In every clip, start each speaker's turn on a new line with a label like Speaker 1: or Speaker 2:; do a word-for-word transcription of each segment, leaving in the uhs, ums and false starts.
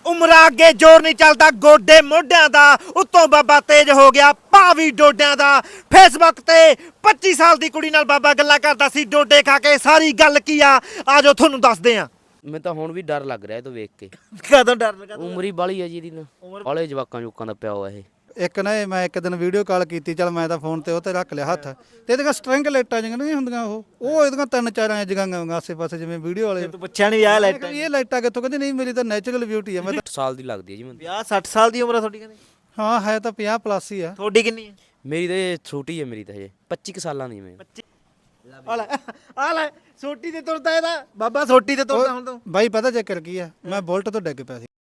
Speaker 1: ਉਮਰਾਂ ਅੱਗੇ ਜ਼ੋਰ ਨਹੀਂ ਚੱਲਦਾ ਗੋਡੇ ਮੋਢਿਆਂ ਦਾ ਉੱਤੋਂ ਬਾਬਾ ਤੇਜ ਹੋ ਗਿਆ ਭਾਵੀ ਡੋਡਿਆਂ ਦਾ। ਫੇਸਬੁੱਕ ਤੇ ਪੱਚੀ ਸਾਲ ਦੀ ਕੁੜੀ ਨਾਲ ਬਾਬਾ ਗੱਲਾਂ ਕਰਦਾ ਸੀ ਡੋਡੇ ਖਾ ਕੇ। ਸਾਰੀ ਗੱਲ ਕੀ ਆ ਆਜੋ ਤੁਹਾਨੂੰ ਦੱਸਦੇ ਆ।
Speaker 2: ਮੈਨੂੰ ਤਾਂ ਹੁਣ ਵੀ ਡਰ ਲੱਗ ਰਿਹਾ ਇਹ ਤੋਂ ਵੇਖ ਕੇ।
Speaker 1: ਕਦੋਂ ਡਰ ਲੱਗਾ?
Speaker 2: ਉਮਰ ਹੀ ਬਾਲੀ ਹੈ ਜੀ ਇਹਦੀ, ਬਾਲੇ ਜਵਾਕਾਂ ਜੁਕਾਂ ਦਾ ਪਿਆ ਹੋਇਆ ਇਹ।
Speaker 3: ਇੱਕ ਨਾ ਇਹ ਮੈਂ ਇੱਕ ਦਿਨ ਵੀਡੀਓ ਕਾਲ ਕੀਤੀ, ਚੱਲ ਮੈਂ ਤਾਂ ਫੋਨ ਤੇ ਉਹ ਤੇ ਰੱਖ ਲਿਆ ਹੱਥ ਤੇ ਇਹਦੀਆਂ ਸਟਰਿੰਗ ਲਾਈਟਾਂ ਜਿਹੀਆਂ ਨਹੀਂ ਹੁੰਦੀਆਂ ਉਹ ਉਹ ਇਹਦੀਆਂ ਤਿੰਨ ਚਾਰ ਐ ਜਗਾਂਗਾ ਆਸੇ ਪਾਸੇ ਜਿਵੇਂ ਵੀਡੀਓ ਵਾਲੇ।
Speaker 1: ਤੂੰ ਪੁੱਛਿਆ ਨਹੀਂ ਵਿਆਹ ਲਾਈਟ
Speaker 3: ਇਹ ਲਾਈਟਾਂ ਕਿੱਥੋਂ? ਕਹਿੰਦੀ ਨਹੀਂ ਮੇਰੀ ਤਾਂ ਨੈਚੁਰਲ ਬਿਊਟੀ ਆ। ਮੈਂ ਤਾਂ
Speaker 2: ਸਾਲ ਦੀ ਲੱਗਦੀ ਹੈ ਜੀ ਮੈਨੂੰ।
Speaker 1: ਵਿਆਹ ਸੱਠ ਸਾਲ ਦੀ ਉਮਰ ਆ ਤੁਹਾਡੀ? ਕਹਿੰਦੇ
Speaker 3: ਹਾਂ ਹੈ ਤਾਂ ਪੰਜਾਹ ਪਲੱਸ ਹੀ ਆ।
Speaker 1: ਤੁਹਾਡੀ ਕਿੰਨੀ ਹੈ?
Speaker 2: ਮੇਰੀ ਤਾਂ ਇਹ ਛੋਟੀ ਹੈ, ਮੇਰੀ ਤਾਂ ਹਜੇ ਪੱਚੀ ਕੁ ਸਾਲਾਂ ਦੀ ਮੈਂ।
Speaker 1: ਆ ਲੈ ਆ ਲੈ ਸੋਟੀ ਤੇ ਤੁਰਦਾ ਇਹਦਾ ਬਾਬਾ, ਸੋਟੀ ਤੇ ਤੁਰਦਾ ਹੁਣ ਤੂੰ।
Speaker 3: ਬਾਈ ਪਤਾ ਚੱਕਰ ਕੀ ਆ, ਮੈਂ ਬੁਲਟ ਤੋਂ ਡਿੱਗ ਪਿਆ ਸੀ।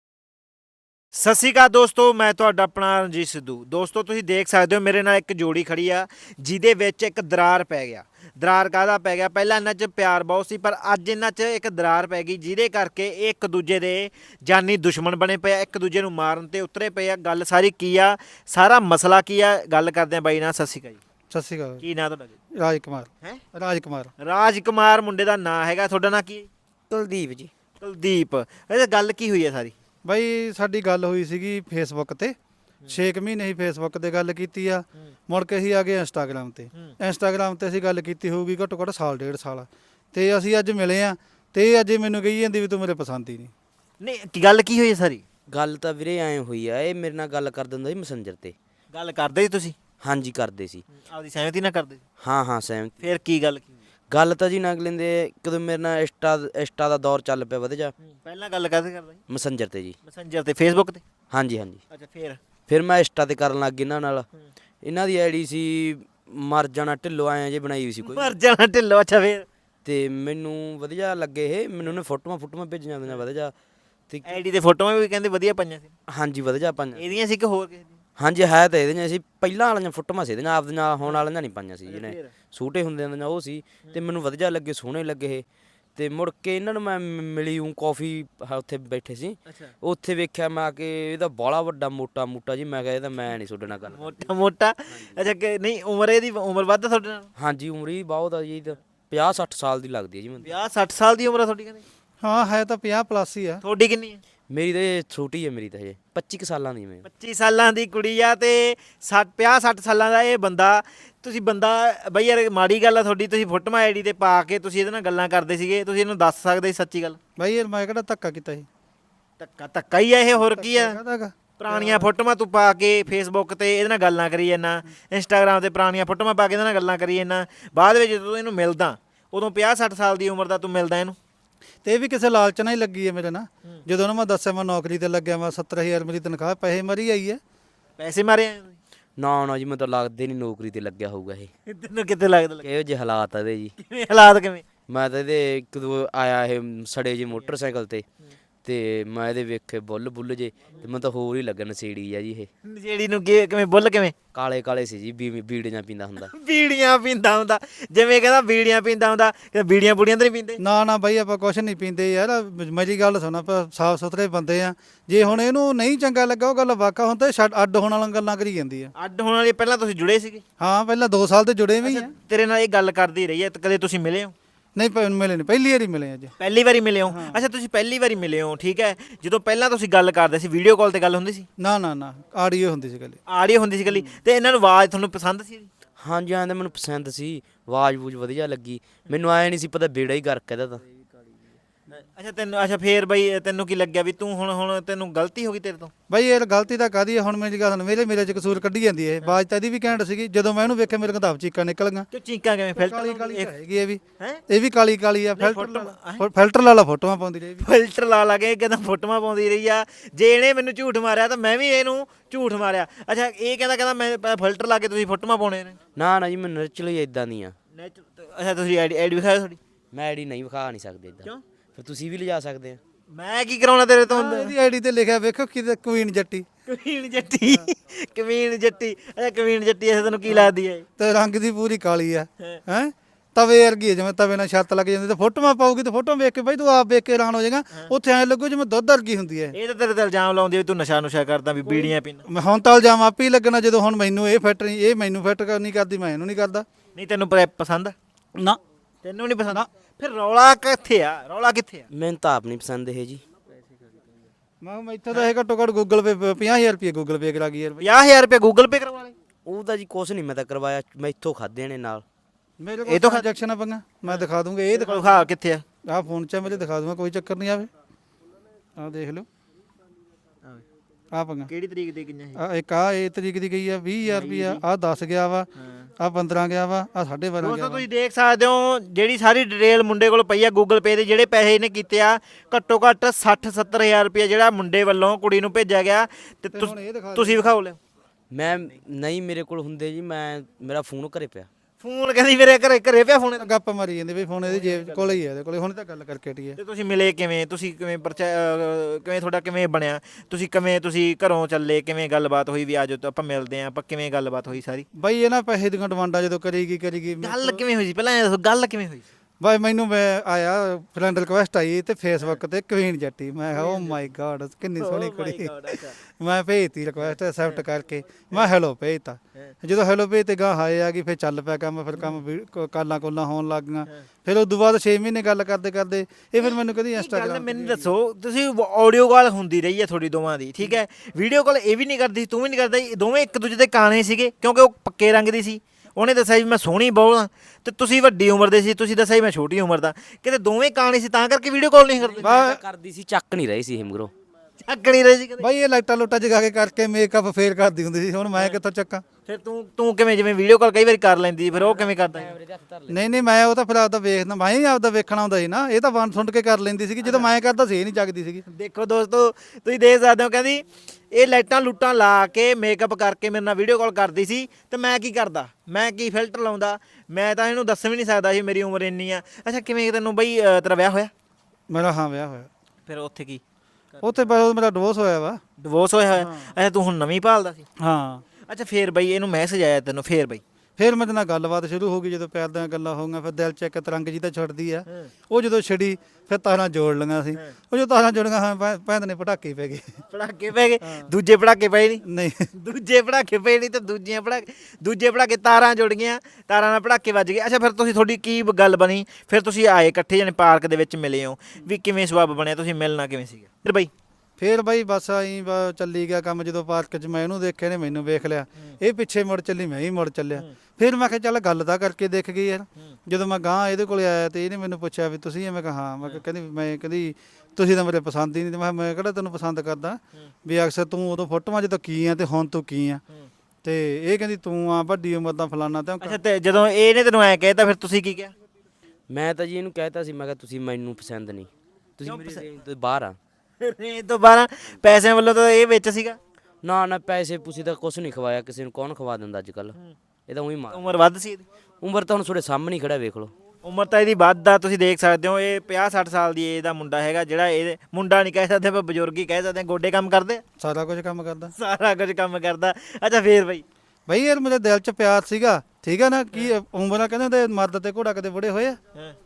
Speaker 1: ਸਤਿ ਸ਼੍ਰੀ ਅਕਾਲ ਦੋਸਤੋ, ਮੈਂ ਤੁਹਾਡਾ ਆਪਣਾ ਰਣਜੀਤ ਸਿੱਧੂ। ਦੋਸਤੋ ਤੁਸੀਂ ਦੇਖ ਸਕਦੇ ਹੋ ਮੇਰੇ ਨਾਲ ਇੱਕ ਜੋੜੀ ਖੜੀ ਆ ਜਿਹਦੇ ਵਿੱਚ ਇੱਕ ਦਰਾਰ ਪੈ ਗਿਆ। ਦਰਾਰ ਕਾਹਦਾ ਪੈ ਗਿਆ? ਪਹਿਲਾਂ ਇਹਨਾਂ 'ਚ ਪਿਆਰ ਬਹੁਤ ਸੀ ਪਰ ਅੱਜ ਇਹਨਾਂ 'ਚ ਇੱਕ ਦਰਾਰ ਪੈ ਗਈ ਜਿਹਦੇ ਕਰਕੇ ਇਹ ਇੱਕ ਦੂਜੇ ਦੇ ਜਾਨੀ ਦੁਸ਼ਮਣ ਬਣੇ ਪਏ ਆ, ਇੱਕ ਦੂਜੇ ਨੂੰ ਮਾਰਨ ਤੇ ਉਤਰੇ ਪਏ ਆ। ਗੱਲ ਸਾਰੀ ਕੀ ਆ, ਸਾਰਾ ਮਸਲਾ ਕੀ ਆ, ਗੱਲ ਕਰਦੇ ਆ ਬਾਈ ਨਾਲ। ਸਤਿ ਸ਼੍ਰੀ ਅਕਾਲ ਜੀ।
Speaker 3: ਸਤਿ ਸ਼੍ਰੀ ਅਕਾਲ।
Speaker 1: ਕੀ ਨਾਂ ਤੁਹਾਡਾ?
Speaker 3: ਰਾਜ ਕੁਮਾਰ।
Speaker 1: ਹੈ
Speaker 3: ਰਾਜ ਕੁਮਾਰ।
Speaker 1: ਰਾਜ ਕੁਮਾਰ ਮੁੰਡੇ ਦਾ ਨਾਂ ਹੈਗਾ। ਤੁਹਾਡਾ ਨਾਂ ਕੀ ਹੈ?
Speaker 2: ਕੁਲਦੀਪ ਜੀ।
Speaker 1: ਕੁਲਦੀਪ। ਇਹ ਗੱਲ ਕੀ ਹੋਈ ਹੈ ਸਾਰੀ?
Speaker 3: ਬਾਈ ਸਾਡੀ ਗੱਲ ਹੋਈ ਸੀਗੀ ਫੇਸਬੁੱਕ ਤੇ, ਛੇ ਕੁ ਮਹੀਨੇ ਹੀ ਫੇਸਬੁੱਕ ਤੇ ਗੱਲ ਕੀਤੀ ਆ। ਮੁੜ ਕੇ ਅਸੀਂ ਆ ਗਏ ਇੰਸਟਾਗ੍ਰਾਮ ਤੇ। ਇੰਸਟਾਗ੍ਰਾਮ ਤੇ ਅਸੀਂ ਗੱਲ ਕੀਤੀ ਹੋਊਗੀ ਘੱਟੋ ਘੱਟ ਸਾਲ ਡੇਢ ਸਾਲ, ਤੇ ਅਸੀਂ ਅੱਜ ਮਿਲੇ ਆ ਤੇ ਇਹ ਅੱਜ ਮੈਨੂੰ ਕਹੀ ਜਾਂਦੀ ਵੀ ਤੂੰ ਮੇਰੇ ਪਸੰਦ ਹੀ ਨਹੀਂ।
Speaker 1: ਨਹੀਂ ਕੀ ਗੱਲ ਕੀ ਹੋਈ ਹੈ ਸਾਰੀ?
Speaker 2: ਗੱਲ ਤਾਂ ਵੀਰੇ ਐਂ ਹੋਈ ਆ, ਇਹ ਮੇਰੇ ਨਾਲ ਗੱਲ ਕਰ ਦਿੰਦਾ ਸੀ ਮੈਸੇਂਜਰ ਤੇ।
Speaker 1: ਗੱਲ ਕਰਦੇ ਸੀ ਤੁਸੀਂ?
Speaker 2: ਹਾਂਜੀ ਕਰਦੇ ਸੀ।
Speaker 1: ਆਪਦੀ ਸਹਿਮਤੀ ਨਾਲ ਕਰਦੇ ਸੀ?
Speaker 2: ਹਾਂ ਹਾਂ ਸਹਿਮਤ।
Speaker 1: ਫਿਰ ਕੀ ਗੱਲ ਕੀ?
Speaker 2: ਗੱਲ ਤਾਂ ਜੀ ਨਗ ਲੈਂਦੇ ਕਦੋਂ ਮੇਰੇ ਨਾਲ ਇੰਸਟਾ ਇੰਸਟਾ ਦਾ ਦੌਰ ਚੱਲ ਪਿਆ ਵਧ ਜਾ।
Speaker 1: ਪਹਿਲਾਂ ਗੱਲ ਕਰਦੇ ਕਰਦਾ ਸੀ
Speaker 2: ਮੈਸੇਂਜਰ ਤੇ ਜੀ।
Speaker 1: ਮੈਸੇਂਜਰ ਤੇ ਫੇਸਬੁੱਕ ਤੇ?
Speaker 2: ਹਾਂਜੀ ਹਾਂਜੀ।
Speaker 1: ਅੱਛਾ ਫਿਰ?
Speaker 2: ਫਿਰ ਮੈਂ ਇੰਸਟਾ ਤੇ ਕਰਨ ਲੱਗ ਗਿਆ ਇਹਨਾਂ ਨਾਲ। ਇਹਨਾਂ ਦੀ ਆਈਡੀ ਸੀ ਮਰ ਜਾਣਾ ਢਿੱਲੋਂ ਆਇਆ ਜੇ ਬਣਾਈ ਹੋਈ ਸੀ ਕੋਈ।
Speaker 1: ਮਰ ਜਾਣਾ ਢਿੱਲੋਂ। ਅੱਛਾ ਫਿਰ?
Speaker 2: ਤੇ ਮੈਨੂੰ ਵਧੀਆ ਲੱਗੇ ਇਹ, ਮੈਨੂੰ ਉਹਨੇ ਫੋਟੋਆਂ ਫੋਟੋਆਂ ਭੇਜੀਆਂ ਦਿੰਦਾ ਵਧ ਜਾ ਤੇ
Speaker 1: ਆਈਡੀ ਤੇ ਫੋਟੋਆਂ ਵੀ ਕਹਿੰਦੇ ਵਧੀਆ ਪਈਆਂ ਸੀ।
Speaker 2: ਹਾਂਜੀ ਵਧ ਜਾ ਪੰਜ।
Speaker 1: ਇਹਦੀਆਂ ਸੀ ਕਿ ਹੋਰ ਕਿਸੇ ਦੀਆਂ?
Speaker 2: ਹਾਂਜੀ ਹੈ ਤਾਂ ਇਹਦੀਆਂ ਸੀ, ਪਹਿਲਾਂ ਵਾਲੀਆਂ ਫੋਟੋਆਂ ਸੀ ਇਹਦੀਆਂ, ਆਪਦੀਆਂ ਹੋਣ ਵਾਲੀਆਂ ਨਹੀਂ ਪਾਈਆਂ ਸੀ ਜਿਹਨੇ ਛੋਟੇ ਹੁੰਦੇ ਹੁੰਦੀਆਂ ਉਹ ਸੀ। ਤੇ ਮੈਨੂੰ ਵਧੀਆ ਲੱਗੇ, ਸੋਹਣੇ ਲੱਗੇ ਇਹ। ਤੇ ਮੁੜ ਕੇ ਇਹਨਾਂ ਨੂੰ ਮੈਂ ਮਿਲੀ ਹੂੰ ਕਾਫੀ ਉੱਥੇ ਬੈਠੇ ਸੀ, ਉੱਥੇ ਵੇਖਿਆ ਮੈਂ ਕਿ ਇਹਦਾ ਬਾਹਲਾ ਵੱਡਾ ਮੋਟਾ ਮੋਟਾ ਜੀ। ਮੈਂ ਕਿਹਾ ਇਹਦਾ ਮੈਂ ਨਹੀਂ ਤੁਹਾਡੇ ਨਾਲ ਗੱਲ।
Speaker 1: ਮੋਟਾ ਮੋਟਾ? ਅੱਛਾ ਕਿ ਨਹੀਂ ਉਮਰ ਇਹਦੀ ਉਮਰ ਵੱਧ ਤੁਹਾਡੇ ਨਾਲ?
Speaker 2: ਹਾਂਜੀ ਉਮਰ ਹੀ ਬਹੁਤ ਆ ਜੀ, ਪੰਜਾਹ ਸੱਠ ਸਾਲ ਦੀ ਲੱਗਦੀ ਹੈ ਜੀ ਮੈਨੂੰ।
Speaker 1: ਵਿਆਹ ਸੱਠ ਸਾਲ ਦੀ ਉਮਰ ਆ ਤੁਹਾਡੀ? ਕਹਿੰਦੇ
Speaker 3: ਹਾਂ ਹੈ ਤਾਂ ਪੰਜਾਹ ਪਲੱਸ ਹੀ ਆ।
Speaker 1: ਤੁਹਾਡੀ ਕਿੰਨੀ ਹੈ?
Speaker 2: ਮੇਰੀ ਤਾਂ ਇਹ ਛੋਟੀ ਹੈ, ਮੇਰੀ ਤਾਂ ਹਜੇ ਪੱਚੀ ਕੁ ਸਾਲਾਂ ਦੀ ਮੈਂ।
Speaker 1: ਪੱਚੀ ਸਾਲਾਂ ਦੀ ਕੁੜੀ ਆ ਤੇ ਸੱਠ ਪੰਜਾਹ ਸੱਠ ਸਾਲਾਂ ਦਾ ਇਹ ਬੰਦਾ। ਤੁਸੀਂ ਬੰਦਾ ਬਈ ਯਾਰ ਮਾੜੀ ਗੱਲ ਆ ਤੁਹਾਡੀ, ਤੁਸੀਂ ਫੋਟੋਆਂ ਆਈਡੀ ਤੇ ਪਾ ਕੇ ਤੁਸੀਂ ਇਹਦੇ ਨਾਲ ਗੱਲਾਂ ਕਰਦੇ ਸੀਗੇ। ਤੁਸੀਂ ਇਹਨੂੰ ਦੱਸ ਸਕਦੇ ਸੀ ਸੱਚੀ ਗੱਲ?
Speaker 3: ਬਾਈ ਯਾਰ ਮੈਂ ਕਿਹੜਾ ਧੱਕਾ ਕੀਤਾ ਸੀ?
Speaker 1: ਧੱਕਾ ਧੱਕਾ ਹੀ ਆ ਇਹ, ਹੋਰ ਕੀ ਆ?
Speaker 3: ਕਾਹਦਾ?
Speaker 1: ਪੁਰਾਣੀਆਂ ਫੋਟੋਆਂ ਤੂੰ ਪਾ ਕੇ ਫੇਸਬੁੱਕ ਤੇ ਇਹਦੇ ਨਾਲ ਗੱਲਾਂ ਕਰੀ ਜਾਂਦਾ, ਇੰਸਟਾਗ੍ਰਾਮ ਤੇ ਪੁਰਾਣੀਆਂ ਫੋਟੋਆਂ ਪਾ ਕੇ ਇਹਦੇ ਨਾਲ ਗੱਲਾਂ ਕਰੀ ਜਾਂਦਾ। ਬਾਅਦ ਵਿੱਚ ਜਦੋਂ ਇਹਨੂੰ ਮਿਲਦਾ ਉਦੋਂ ਪੰਜਾਹ ਸੱਠ ਸਾਲ ਦੀ ਉਮਰ ਦਾ ਤੂੰ ਮਿਲਦਾ ਇਹਨੂੰ।
Speaker 3: ਤੇ ਇਹ ਵੀ ਕਿਸੇ ਲਾਲਚ ਨਾਲ ਹੀ ਲੱਗੀ ਹੈ ਮੇਰੇ ਨਾਲ। ਜਦੋਂ ਉਹਨੂੰ ਮੈਂ ਦੱਸਿਆ ਮੈਂ ਨੌਕਰੀ ਤੇ ਲੱਗਿਆ, ਮੈਂ ਸੱਤਰ ਹਜ਼ਾਰ ਮੇਰੀ ਤਨਖਾਹ, ਪੈਸੇ ਮਰੀ ਆਈ ਹੈ।
Speaker 1: ਪੈਸੇ ਮਾਰੇ ਆ?
Speaker 2: ਨਾ ਨਾ ਜੀ ਮੈਨੂੰ ਤਾਂ ਲੱਗਦੇ ਨਹੀਂ ਨੌਕਰੀ ਤੇ ਲੱਗਿਆ ਹੋਊਗਾ ਇਹ।
Speaker 1: ਤੈਨੂੰ ਕਿੱਥੇ ਲੱਗਦਾ?
Speaker 2: ਕਿਹੋ ਜਿਹੇ ਹਾਲਾਤ ਆ ਇਹਦੇ ਜੀ।
Speaker 1: ਕਿਵੇਂ ਹਾਲਾਤ ਕਿਵੇਂ?
Speaker 2: ਮੈਂ ਤਾਂ ਇਹਦੇ ਕਦੋਂ ਆਇਆ ਇਹ ਸੜੇ ਜਿਹੇ ਮੋਟਰਸਾਈਕਲ ਤੇ ਤੇ ਮੈਂ ਇਹਦੇ ਵੇਖੇ ਬੁੱਲ ਬੁੱਲ ਜੇ ਤੇ ਮੈਨੂੰ ਤਾਂ ਹੋਰ ਹੀ ਲੱਗਾ ਨਸ਼ੇੜੀ ਆ ਜੀ ਇਹ।
Speaker 1: ਜਿਹੜੀ ਨੂੰ ਕੀ ਕਿਵੇਂ ਬੁੱਲ ਕਿਵੇਂ?
Speaker 2: ਕਾਲੇ ਕਾਲੇ ਸੀ ਜੀ, ਬੀ ਬੀੜੀਆਂ ਪੀਂਦਾ ਹੁੰਦਾ।
Speaker 1: ਬੀੜੀਆਂ ਪੀਂਦਾ ਹੁੰਦਾ? ਜਿਵੇਂ ਕਹਿੰਦਾ ਬੀੜੀਆਂ ਪੀਂਦਾ ਹੁੰਦਾ, ਕਿ ਬੀੜੀਆਂ ਬੁੜੀਆਂ ਤਾਂ ਨਹੀਂ ਪੀਂਦੇ?
Speaker 3: ਨਾ ਨਾ ਬਾਈ ਆਪਾਂ ਕੁਛ ਨਹੀਂ ਪੀਂਦੇ ਯਾਰ, ਮੇਰੀ ਗੱਲ ਸੁਣ, ਆਪਾਂ ਸਾਫ ਸੁਥਰੇ ਬੰਦੇ ਆ। ਜੇ ਹੁਣ ਇਹਨੂੰ ਨਹੀਂ ਚੰਗਾ ਲੱਗਾ ਉਹ ਗੱਲ ਵਾਕਾ ਹੁਣ ਤਾਂ ਛੱਡ ਅੱਡ ਹੋਣ ਵਾਲੀਆਂ ਗੱਲਾਂ ਕਰੀ ਜਾਂਦੀ ਆ।
Speaker 1: ਅੱਡ ਹੋਣ ਵਾਲੀ? ਪਹਿਲਾਂ ਤੁਸੀਂ ਜੁੜੇ ਸੀਗੇ?
Speaker 3: ਹਾਂ ਪਹਿਲਾਂ ਦੋ ਸਾਲ ਤੇ ਜੁੜੇ ਵੀ ਆ।
Speaker 1: ਤੇਰੇ ਨਾਲ ਇਹ ਗੱਲ ਕਰਦੀ ਰਹੀ ਹੈ, ਕਦੇ ਤੁਸੀਂ ਮਿਲੇ ਹੋ?
Speaker 3: ਨਹੀਂ ਪ- ਮਿਲੇ ਨਹੀਂ, ਪਹਿਲੀ ਵਾਰੀ ਮਿਲੇ ਅੱਜ।
Speaker 1: ਪਹਿਲੀ ਵਾਰੀ ਮਿਲੇ ਹੋ? ਅੱਛਾ ਤੁਸੀਂ ਪਹਿਲੀ ਵਾਰੀ ਮਿਲੇ ਹੋ, ਠੀਕ ਹੈ। ਜਦੋਂ ਪਹਿਲਾਂ ਤੁਸੀਂ ਗੱਲ ਕਰਦੇ ਸੀ ਵੀਡੀਓ ਕਾਲ ਤੇ ਗੱਲ ਹੁੰਦੀ ਸੀ?
Speaker 3: ਨਾ ਨਾ ਨਾ ਆਡੀਓ ਹੁੰਦੀ ਸੀ ਗੱਲ।
Speaker 1: ਆਡੀਓ ਹੁੰਦੀ ਸੀ ਇਕੱਲੀ? ਤੇ ਇਹਨਾਂ ਨੂੰ ਆਵਾਜ਼ ਤੁਹਾਨੂੰ ਪਸੰਦ ਸੀ?
Speaker 2: ਹਾਂਜੀ ਆਂਦੇ ਮੈਨੂੰ ਪਸੰਦ ਸੀ, ਆਵਾਜ਼ ਬੂਝ ਵਧੀਆ ਲੱਗੀ। ਮੈਨੂੰ ਆਇਆ ਨਹੀਂ ਸੀ ਪਤਾ ਬੇੜਾ ਹੀ ਕਰਕੇ ਇਹਦਾ ਤਾਂ।
Speaker 1: ਅੱਛਾ ਤੈਨੂੰ ਅੱਛਾ ਫੇਰ ਬਈ ਤੈਨੂੰ ਕੀ ਲੱਗਿਆ ਵੀ ਤੂੰ ਹੁਣ ਹੁਣ ਤੈਨੂੰ ਗਲਤੀ ਹੋ ਗਈ ਤੇਰੇ ਤੋਂ?
Speaker 3: ਬਾਈ ਯਾਰ ਗਲਤੀ ਤਾਂ ਕਾਹਦੀ ਹੈ ਹੁਣ? ਮੇਰੀ ਗੱਲ ਸੁਣ, ਮੇਰੇ ਮੇਰੇ ਚ ਕਸੂਰ ਕੱਢੀ ਜਾਂਦੀ ਹੈ। ਆਵਾਜ਼ ਤਾਂ ਇਹਦੀ ਵੀ ਘੈਂਟ ਸੀਗੀ, ਜਦੋਂ ਮੈਂ ਇਹਨੂੰ ਵੇਖਿਆ ਮੇਰੇ ਕਿਤਾਬ ਚੀਕਾਂ ਨਿਕਲ ਗਈਆਂ।
Speaker 1: ਕਿਉਂ ਚੀਕਾਂ ਕਿਵੇਂ?
Speaker 3: ਕਾਲੀ
Speaker 1: ਫਿਲਟਰ
Speaker 3: ਕਾਲੀ ਹੈਗੀ ਇਹ ਵੀ।
Speaker 1: ਹੈ?
Speaker 3: ਇਹ ਵੀ ਕਾਲੀ ਕਾਲੀ ਆ।
Speaker 1: ਨਹੀਂ,
Speaker 3: ਫਿਲਟਰ
Speaker 1: ਫੋਟੋ-
Speaker 3: ਲਾ- ਫਿਲਟਰ ਲਾ ਲਾ ਫੋਟੋਆਂ ਪਾਉਂਦੀ ਰਹੀ।
Speaker 1: ਫਿਲਟਰ ਲਾ ਲਾ ਕੇ ਕਹਿੰਦਾ ਫੋਟੋਆਂ ਪਾਉਂਦੀ ਰਹੀ ਆ। ਜੇ ਇਹਨੇ ਮੈਨੂੰ ਝੂਠ ਮਾਰਿਆ ਤਾਂ ਮੈਂ ਵੀ ਇਹਨੂੰ ਝੂਠ ਮਾਰਿਆ। ਅੱਛਾ ਇਹ ਕਹਿੰਦਾ ਕਹਿੰਦਾ ਮੈਂ ਫਿਲਟਰ ਲਾ ਕੇ ਤੁਸੀਂ ਫੋਟੋਆਂ ਪਾਉਣੇ ਨੇ?
Speaker 2: ਨਾ ਨਾ ਜੀ ਮੈਨੂੰ ਨੈਚੁਰਲੀ ਇਦਾਂ ਨਹੀਂ ਆ।
Speaker 1: ਅੱਛਾ ਤੁਸੀਂ ਆਈਡੀ ਆਈਡੀ ਵਿਖਾਓ ਤੁਹਾਡੀ?
Speaker 2: ਮੈਂ ਆਈਡੀ ਨਹੀਂ ਵਿਖਾ ਨਹੀਂ ਸਕਦੇ ਇਦਾਂ।
Speaker 1: ਕਿਉਂ?
Speaker 2: ਫਿਰ ਤੁਸੀਂ ਵੀ ਲਿਜਾ ਸਕਦੇ ਆ।
Speaker 1: ਮੈਂ ਕੀ ਕਰਾਉਣਾ ਤੇਰੇ ਤੋਂ?
Speaker 3: ਇਹਦੀ ਆਈਡੀ ਤੇ ਲਿਖਿਆ ਵੇਖੋ ਕਿਤੇ ਕੁਈਨ ਜੱਟੀ।
Speaker 1: ਕਮੀਨ ਜੱਟੀ? ਕਮੀਨ ਜੱਟੀ? ਅੱਛਾ ਕਮੀਨ ਜੱਟੀ ਐਸੇ ਤੈਨੂੰ ਕੀ ਲੱਗਦੀ ਹੈ?
Speaker 3: ਤੇ ਰੰਗ ਦੀ ਪੂਰੀ ਕਾਲੀ ਆ ਹੈ, ਤਵੇ ਵਰਗੀ ਹੈ, ਜਿਵੇਂ ਤਵੇ ਨਾਲ ਛੱਤ ਲੱਗ ਜਾਂਦੀ। ਤੇ ਫੋਟੋਆਂ ਪਾਉਗੀ ਤੇ ਫੋਟੋ ਵੇਖ ਕੇ ਬਾਈ ਤੂੰ ਆਪ ਵੇਖ ਕੇ ਹੈਰਾਨ ਹੋ ਜਾਏਗਾ। ਉੱਥੇ ਐਂ ਲੱਗੂ ਜਿਵੇਂ ਦੁੱਧ ਵਰਗੀ ਹੁੰਦੀ ਹੈ।
Speaker 1: ਇਹ ਤਾਂ ਤੇਰੇ ਤੇ ਇਲਜ਼ਾਮ ਲਾਉਂਦੀ ਵੀ ਤੂੰ ਨਸ਼ਾ ਨੁਸ਼ਾ ਕਰਦਾ, ਵੀ ਬੀੜੀਆਂ ਪੀਂਦਾ।
Speaker 3: ਮੈਂ ਹੁਣ ਤਾਂ ਇਲਜ਼ਾਮ ਆਪੇ ਹੀ ਲੱਗਣਾ, ਜਦੋਂ ਹੁਣ ਮੈਨੂੰ ਇਹ ਫਿੱਟ ਨਹੀਂ, ਇਹ ਮੈਨੂੰ ਫਿੱਟ ਨਹੀਂ ਕਰਦੀ, ਮੈਂ ਇਹਨੂੰ ਨਹੀਂ ਕਰਦਾ।
Speaker 1: ਨਹੀਂ ਤੈਨੂੰ ਪ- ਪਸੰਦ?
Speaker 3: ਨਾ
Speaker 1: ਤੈਨੂੰ ਨਹੀਂ ਪਸੰਦ? ਫਿਰ ਰੌਲਾ ਕਿੱਥੇ ਆ? ਰੌਲਾ ਕਿੱਥੇ ਆ?
Speaker 2: ਮੈਨੂੰ ਤਾਂ ਆਪ ਨਹੀਂ ਪਸੰਦ ਇਹ ਜੀ।
Speaker 3: ਮੈਂ ਮੈਥੋਂ ਤਾਂ ਇਹ ਘੱਟੋ ਘੱਟ ਗੂਗਲ ਪੇ ਪੰਜਾਹ ਹਜ਼ਾਰ ਰੁਪਏ ਗੂਗਲ ਪੇ ਕਰਾ ਗਈ ਯਾਰ।
Speaker 1: ਪੰਜਾਹ ਹਜ਼ਾਰ ਰੁਪਏ ਗੂਗਲ ਪੇ ਕਰਵਾ ਲਏ?
Speaker 2: ਉਹ ਤਾਂ ਜੀ ਕੁਛ ਨਹੀਂ ਮੈਂ ਤਾਂ ਕਰਵਾਇਆ, ਮੈਂ ਇੱਥੋਂ ਖਾਦੇ ਨੇ ਨਾਲ।
Speaker 3: ਮੇਰੇ
Speaker 1: ਇਹ
Speaker 3: ਕੋਲ
Speaker 1: ਤੋਂ
Speaker 3: ਟ੍ਰਾਂਜੈਕਸ਼ਨ ਪੰਗਾ ਮੈਂ ਦਿਖਾ ਦੂੰਗਾ, ਇਹ ਦਿਖਾ
Speaker 1: ਹਾਂ ਕਿੱਥੇ ਆ?
Speaker 3: ਆਹ ਫੋਨ 'ਚ ਮੇਰੇ ਦਿਖਾ ਦੂੰਗਾ, ਕੋਈ ਚੱਕਰ ਨਹੀਂ ਆਵੇ। ਆਹ ਦੇਖ ਲਓ ਆਹ ਪੰਗਾ।
Speaker 1: ਕਿਹੜੀ ਤਰੀਕ ਦੀ ਗਈਆਂ ਇਹ?
Speaker 3: ਆ ਇੱਕ ਆ ਇਹ ਤਰੀਕ ਦੀ ਗਈ ਆ ਵੀਹ ਹਜ਼ਾਰ ਰੁਪਿਆ, ਆ ਦਸ ਗਿਆ ਵਾ, ਆ ਪੰਦਰਾਂ ਗਿਆ ਵਾ, ਆ ਸਾਢੇ ਬਾਰਾਂ ਗਿਆ
Speaker 1: ਦੋਸਤੋ
Speaker 3: ਵਾ।
Speaker 1: ਤੁਸੀਂ ਦੇਖ ਸਕਦੇ ਹੋ ਜਿਹੜੀ ਸਾਰੀ ਡਿਟੇਲ ਮੁੰਡੇ ਕੋਲ ਪਈ ਆ ਗੂਗਲ ਪੇ ਦੇ, ਜਿਹੜੇ ਪੈਸੇ ਇਹਨੇ ਕੀਤੇ ਆ ਘੱਟੋ ਘੱਟ ਸੱਠ ਸੱਤਰ ਹਜ਼ਾਰ ਰੁਪਏ ਜਿਹੜਾ ਮੁੰਡੇ ਵੱਲੋਂ ਕੁੜੀ ਨੂੰ ਭੇਜਿਆ ਗਿਆ। ਤੇ
Speaker 3: ਤੇ
Speaker 1: ਤੁਸ-
Speaker 3: ਹੁਣ ਇਹ ਦਿਖਾ
Speaker 1: ਤੁਸੀਂ ਵਿਖਾਓ ਲਿਓ
Speaker 2: ਮੈਂ ਨਹੀਂ ਮੇਰੇ ਕੋਲ ਹੁੰਦੇ ਜੀ, ਮੈਂ ਮੇਰਾ ਫੋਨ ਘਰੇ ਪਿਆ।
Speaker 1: ਫੋਨ, ਕਹਿੰਦੀ ਮੇਰੇ ਘਰੇ ਘਰੇ ਪਿਆ ਫੋਨ।
Speaker 3: ਗੱਪ ਮਾਰੀ ਜਾਂਦੇ ਵੀ ਫੋਨ ਇਹਦੀ ਜੇਬ ਕੋਲ ਹੀ ਆ, ਇਹਦੇ ਕੋਲੇ। ਹੁਣ ਤਾਂ ਗੱਲ ਕਰਕੇ ਹਟੀ ਆ।
Speaker 1: ਤੇ ਤੁਸੀਂ ਮਿਲੇ ਕਿਵੇਂ? ਤੁਸੀਂ ਕਿਵੇਂ ਪਰਚਾ ਅਹ, ਕਿਵੇਂ ਤੁਹਾਡਾ ਕਿਵੇਂ ਬਣਿਆ? ਤੁਸੀਂ ਕਿਵੇਂ ਤੁਸੀਂ ਘਰੋਂ ਚੱਲੇ, ਕਿਵੇਂ ਗੱਲਬਾਤ ਹੋਈ ਵੀ ਆਜੋ ਤਾਂ ਆਪਾਂ ਮਿਲਦੇ ਆਂ ਆਪਾਂ, ਕਿਵੇਂ ਗੱਲਬਾਤ ਹੋਈ ਸਾਰੀ?
Speaker 3: ਬਾਈ ਇਹ ਨਾ ਪੈਸੇ ਦੀਆਂ ਡਿਮਾਂਡਾਂ ਜਦੋਂ ਕਰੀਗੀ ਕਰੀਗੀ
Speaker 1: ਗੱਲ ਕਿਵੇਂ ਹੋਈ ਸੀ ਪਹਿਲਾਂ ਇਹ ਦੱਸੋ, ਗੱਲ ਕਿਵੇਂ ਹੋਈ?
Speaker 3: ਬਾਈ ਮੈਨੂੰ ਮੈਂ ਆਇਆ ਫਰੈਂਡ ਰਿਕੁਐਸਟ ਆਈ ਤੇ ਫੇਸਬੁੱਕ ਤੇ ਕੁਈਨ ਜੱਟੀ, ਮੈਂ ਕਿਹਾ ਓ ਮਾਈ ਗॉड ਕਿੰਨੀ ਸੋਹਣੀ ਕੁੜੀ। ਮੈਂ ਭੇਜਤੀ ਰਿਕੁਐਸਟ ਐਕਸੈਪਟ ਕਰਕੇ, ਮੈਂ ਹੈਲੋ ਭੇਜਤਾ। ਜਦੋਂ ਹੈਲੋ ਭੇਜ ਤੇ ਗਾਂ ਹਾਏ ਆ ਗਈ, ਫਿਰ ਚੱਲ ਪਿਆ ਕੰਮ, ਫਿਰ ਕੰਮ ਵੀ- ਕ- ਕਾਲਾਂ ਕੋਲਾਂ ਹੋਣ ਲੱਗ ਗਈਆਂ। ਫਿਰ ਉਸ ਤੋਂ ਬਾਅਦ ਛੇ ਮਹੀਨੇ ਗੱਲ ਕਰਦੇ ਕਰਦੇ ਇਹ ਫਿਰ ਮੈਨੂੰ ਕਹਿੰਦੀ
Speaker 1: ਗੱਲ
Speaker 3: ਇੰਸਟਾਗ੍ਰਾਮ
Speaker 1: ਮੈਨੂੰ ਦੱਸੋ, ਤੁਸੀਂ ਆਡੀਓ ਕਾਲ ਹੁੰਦੀ ਰਹੀ ਹੈ ਤੁਹਾਡੀ ਦੋਵਾਂ ਦੀ, ਠੀਕ ਹੈ? ਵੀਡੀਓ ਕਾਲ ਇਹ ਵੀ ਨਹੀਂ ਕਰਦੀ, ਤੂੰ ਵੀ ਨਹੀਂ ਕਰਦਾ, ਇਹ ਦੋਵੇਂ ਇੱਕ ਦੂਜੇ ਦੇ ਕਾਣੇ ਸੀਗੇ ਕਿਉਂਕਿ ਉਹ ਪੱਕੇ ਰੰਗ ਦੀ ਸੀ। ਉਹਨੇ ਦੱਸਿਆ ਵੀ ਮੈਂ ਸੋਹਣੀ ਬਹੁਤ ਹਾਂ ਤੇ ਤੁਸੀਂ ਵੱਡੀ ਉਮਰ ਦੇ ਸੀ, ਤੁਸੀਂ ਦੱਸਿਆ ਵੀ ਮੈਂ ਛੋਟੀ ਉਮਰ ਦਾ। ਕਿਤੇ ਦੋਵੇਂ ਕਾਣੇ ਸੀ ਤਾਂ ਕਰਕੇ ਵੀਡੀਓ ਕਾਲ ਨਹੀਂ ਕਰਦੇ?
Speaker 2: ਮੈਂ ਕਰਦੀ ਸੀ, ਚੱਕ ਨਹੀਂ ਰਹੀ ਸੀ ਹਿਮਗਰੋ।
Speaker 1: ਚੱਕ ਨਹੀਂ ਰਹੇ ਸੀ ਕਦੇ?
Speaker 3: ਬਾਈ ਇਹ ਲਾਈਟਾਂ ਲੁੱਟਾਂ ਜਗਾ ਕੇ ਕਰਕੇ ਮੇਕਅਪ ਫੇਰ ਕਰਦੀ ਹੁੰਦੀ ਸੀ, ਹੁਣ ਮੈਂ ਕਿੱਥੋਂ ਚੱਕਾਂ?
Speaker 1: ਫਿਰ ਤੂੰ ਤੂੰ ਕਿਵੇਂ, ਜਿਵੇਂ ਵੀਡੀਓ ਕਾਲ ਕਈ ਵਾਰੀ ਕਰ ਲੈਂਦੀ ਫਿਰ ਉਹ ਕਿਵੇਂ ਕਰਦਾ?
Speaker 3: ਨਹੀਂ ਨਹੀਂ ਮੈਂ ਉਹ ਤਾਂ ਫਿਰ ਆਪਦਾ ਵੇਖਦਾ, ਮੈਂ ਹੀ ਆਪਦਾ ਵੇਖਣਾ ਹੁੰਦਾ ਸੀ ਨਾ। ਇਹ ਤਾਂ ਵਨ ਸੁਣ ਕੇ ਕਰ ਲੈਂਦੀ ਸੀਗੀ, ਜਦੋਂ ਮੈਂ ਕਰਦਾ ਸੀ ਇਹ ਨਹੀਂ ਜਗਦੀ ਸੀਗੀ।
Speaker 1: ਦੇਖੋ ਦੋਸਤੋ ਤੁਸੀਂ ਦੇਖ ਸਕਦੇ ਹੋ, ਕਹਿੰਦੀ ਇਹ ਲਾਈਟਾਂ ਲੂਟਾਂ ਲਾ ਕੇ ਮੇਕਅਪ ਕਰਕੇ ਮੇਰੇ ਨਾਲ ਵੀਡੀਓ ਕਾਲ ਕਰਦੀ ਸੀ ਤੇ ਮੈਂ ਕੀ ਕਰਦਾ, ਮੈਂ ਕੀ ਫਿਲਟਰ ਲਾਉਂਦਾ, ਮੈਂ ਤਾਂ ਇਹਨੂੰ ਦੱਸ ਵੀ ਨਹੀਂ ਸਕਦਾ ਸੀ ਮੇਰੀ ਉਮਰ ਇੰਨੀ ਆ। ਅੱਛਾ ਕਿਵੇਂ ਤੈਨੂੰ ਬਈ ਅਹ, ਤੇਰਾ ਵਿਆਹ ਹੋਇਆ?
Speaker 3: ਮੇਰਾ ਹਾਂ ਵਿਆਹ ਹੋਇਆ।
Speaker 1: ਫਿਰ ਉੱਥੇ ਕੀ
Speaker 3: ਉੱਥੇ ਬਸ ਮੇਰਾ ਡਿਵੋਰਸ ਹੋਇਆ ਵਾ।
Speaker 1: ਡਿਵੋਰਸ ਹੋਇਆ ਹੋਇਆ? ਅੱਛਾ ਤੂੰ ਹੁਣ ਨਵੀਂ ਭਾਲਦਾ ਸੀ?
Speaker 3: ਹਾਂ
Speaker 1: ਅੱਛਾ ਫੇਰ ਬਈ ਇਹਨੂੰ ਮੈਸੇਜ ਆਇਆ ਤੈਨੂੰ, ਫੇਰ ਬਈ
Speaker 3: ਫਿਰ ਮੇਰੇ ਨਾਲ ਗੱਲਬਾਤ ਸ਼ੁਰੂ ਹੋ ਗਈ, ਜਦੋਂ ਪਿਆਰ ਦੀਆਂ ਗੱਲਾਂ ਹੋ ਗਈਆਂ, ਫਿਰ ਦਿਲ 'ਚ ਇੱਕ ਤਰੰਗ ਜੀ ਤਾਂ ਛੱਡਦੀ ਆ। ਉਹ ਜਦੋਂ ਛੜੀ ਫਿਰ ਤਾਰਾਂ ਜੋੜ ਲਈਆਂ ਸੀ, ਉਹ ਜਦੋਂ ਤਾਰਾਂ ਜੋੜੀਆਂ ਹਾਂ ਭੈਣ ਨੇ ਪਟਾਕੇ ਪੈ ਗਏ।
Speaker 1: ਪੜਾਕੇ ਪੈ ਗਏ? ਦੂਜੇ ਪੜਾਕੇ ਪਏ ਨਹੀਂ?
Speaker 3: ਨਹੀਂ
Speaker 1: ਦੂਜੇ ਪੜਾਕੇ ਪਏ ਨਹੀਂ ਤੇ ਦੂਜੀਆਂ ਪੜਾਕੇ, ਦੂਜੇ ਪੜਾਕੇ ਤਾਰਾਂ ਜੁੜ ਗਈਆਂ, ਤਾਰਾਂ ਨਾਲ ਪੜਾਕੇ ਵੱਜ ਗਏ। ਅੱਛਾ ਫਿਰ ਤੁਸੀਂ, ਤੁਹਾਡੀ ਕੀ ਗੱਲ ਬਣੀ? ਫਿਰ ਤੁਸੀਂ ਆਏ ਇਕੱਠੇ ਜਣੇ ਪਾਰਕ ਦੇ ਵਿੱਚ ਮਿਲੇ ਹੋ, ਵੀ ਕਿਵੇਂ ਸਬੱਬ ਬਣਿਆ, ਤੁਸੀਂ ਮਿਲਣਾ ਕਿਵੇਂ ਸੀਗਾ ਫਿਰ ਬਈ?
Speaker 3: ਫਿਰ ਬਾਈ ਬਸ ਆਈ ਚੱਲੀ ਗਿਆ ਕੰਮ। ਜਦੋਂ ਪਾਰਕ 'ਚ ਮੈਂ ਇਹਨੂੰ ਦੇਖਿਆ, ਨੇ ਮੈਨੂੰ ਵੇਖ ਲਿਆ, ਇਹ ਪਿੱਛੇ ਮੁੜ ਚੱਲੀ, ਮੈਂ ਹੀ ਮੁੜ ਚੱਲਿਆ। ਫਿਰ ਮੈਂ ਕਿਹਾ ਚੱਲ ਗੱਲ ਤਾਂ ਕਰਕੇ ਦੇਖ ਗਈ ਯਾਰ। ਜਦੋਂ ਮੈਂ ਗਾਂ ਇਹਦੇ ਕੋਲ ਆਇਆ ਤੇ ਇਹਨੇ ਮੈਨੂੰ ਪੁੱਛਿਆ ਵੀ ਤੁਸੀਂ? ਮੈਂ ਕਿਹਾ ਹਾਂ। ਮੈਂ ਕਿਹਾ ਕਹਿੰਦੀ ਮੈਂ ਕਹਿੰਦੀ ਤੁਸੀਂ ਤਾਂ ਮੇਰੇ ਪਸੰਦ ਹੀ ਨਹੀਂ। ਤੇ ਮੈਂ ਕਿਹਾ ਮੈਂ ਕਿਹੜਾ ਤੈਨੂੰ ਪਸੰਦ ਕਰਦਾ ਵੀ, ਅਕਸਰ ਤੂੰ ਉਦੋਂ ਫੋਟੋਆਂ 'ਚ ਤਾਂ ਕੀ ਆ ਤੇ ਹੁਣ ਤੂੰ ਕੀ ਆ। ਤੇ ਇਹ ਕਹਿੰਦੀ ਤੂੰ ਆ ਵੱਡੀ ਉਮਰ ਦਾ ਫਲਾਨਾ ਤੇ
Speaker 1: ਅੱਛਾ ਤੇ ਜਦੋਂ ਇਹਨੇ ਤੈਨੂੰ ਐ ਕਹਿਤਾ ਫਿਰ ਤੁਸੀਂ ਕੀ ਕਿਹਾ?
Speaker 2: ਮੈਂ ਤਾਂ ਜੀ ਇਹਨੂੰ ਕਹਿਤਾ ਸੀ, ਮੈਂ ਕਿਹਾ ਤੁਸੀਂ ਮੈਨੂੰ ਪਸੰਦ ਨਹੀਂ, ਤੁਸੀਂ ਮੇਰੀ ਰੇਂਜ ਤੋਂ ਬਾਹਰ ਆ।
Speaker 1: ਇਹ ਤੋਂ ਬਾਅਦ ਪੈਸਿਆਂ ਵੱਲੋਂ ਤਾਂ ਇਹ ਵਿੱਚ ਸੀਗਾ?
Speaker 2: ਨਾ ਨਾ ਪੈਸੇ ਪੂਸੇ ਤਾਂ ਕੁਛ ਨਹੀਂ ਖਵਾਇਆ ਕਿਸੇ ਨੂੰ, ਕੌਣ ਖਵਾ ਦਿੰਦਾ ਅੱਜ ਕੱਲ। ਇਹ ਤਾਂ ਉਹੀ ਮਾਰ,
Speaker 1: ਉਮਰ ਵੱਧ ਸੀ ਇਹਦੀ?
Speaker 2: ਉਮਰ ਤਾਂ ਹੁਣ ਤੁਹਾਡੇ ਸਾਹਮਣੇ ਹੀ ਖੜਾ, ਵੇਖ ਲਓ।
Speaker 1: ਉਮਰ ਤਾਂ ਇਹਦੀ ਵੱਧ ਆ, ਤੁਸੀਂ ਦੇਖ ਸਕਦੇ ਹੋ। ਇਹ ਪੰਜਾਹ ਸੱਠ ਸਾਲ ਦੀ ਏਜ ਦਾ ਮੁੰਡਾ ਹੈਗਾ, ਜਿਹੜਾ ਇਹ ਮੁੰਡਾ ਨਹੀਂ ਕਹਿ ਸਕਦੇ ਪਰ ਬਜ਼ੁਰਗ ਹੀ ਕਹਿ ਸਕਦੇ ਆ। ਗੋਡੇ ਕੰਮ ਕਰਦੇ ਆ?
Speaker 3: ਸਾਰਾ ਕੁਝ ਕੰਮ ਕਰਦਾ,
Speaker 1: ਸਾਰਾ ਕੁਝ ਕੰਮ ਕਰਦਾ। ਅੱਛਾ ਫੇਰ ਬਈ?
Speaker 3: ਬਈ ਯਾਰ ਮੇਰੇ ਦਿਲ 'ਚ ਪਿਆਰ ਸੀਗਾ, ਠੀਕ ਹੈ ਨਾ। ਕੀ ਉਮਰਾਂ ਕਹਿੰਦੇ ਹੁੰਦੇ ਮਰਦ ਤੇ ਘੋੜਾ ਕਦੇ ਬੁੜੇ ਹੋਏ ਆ।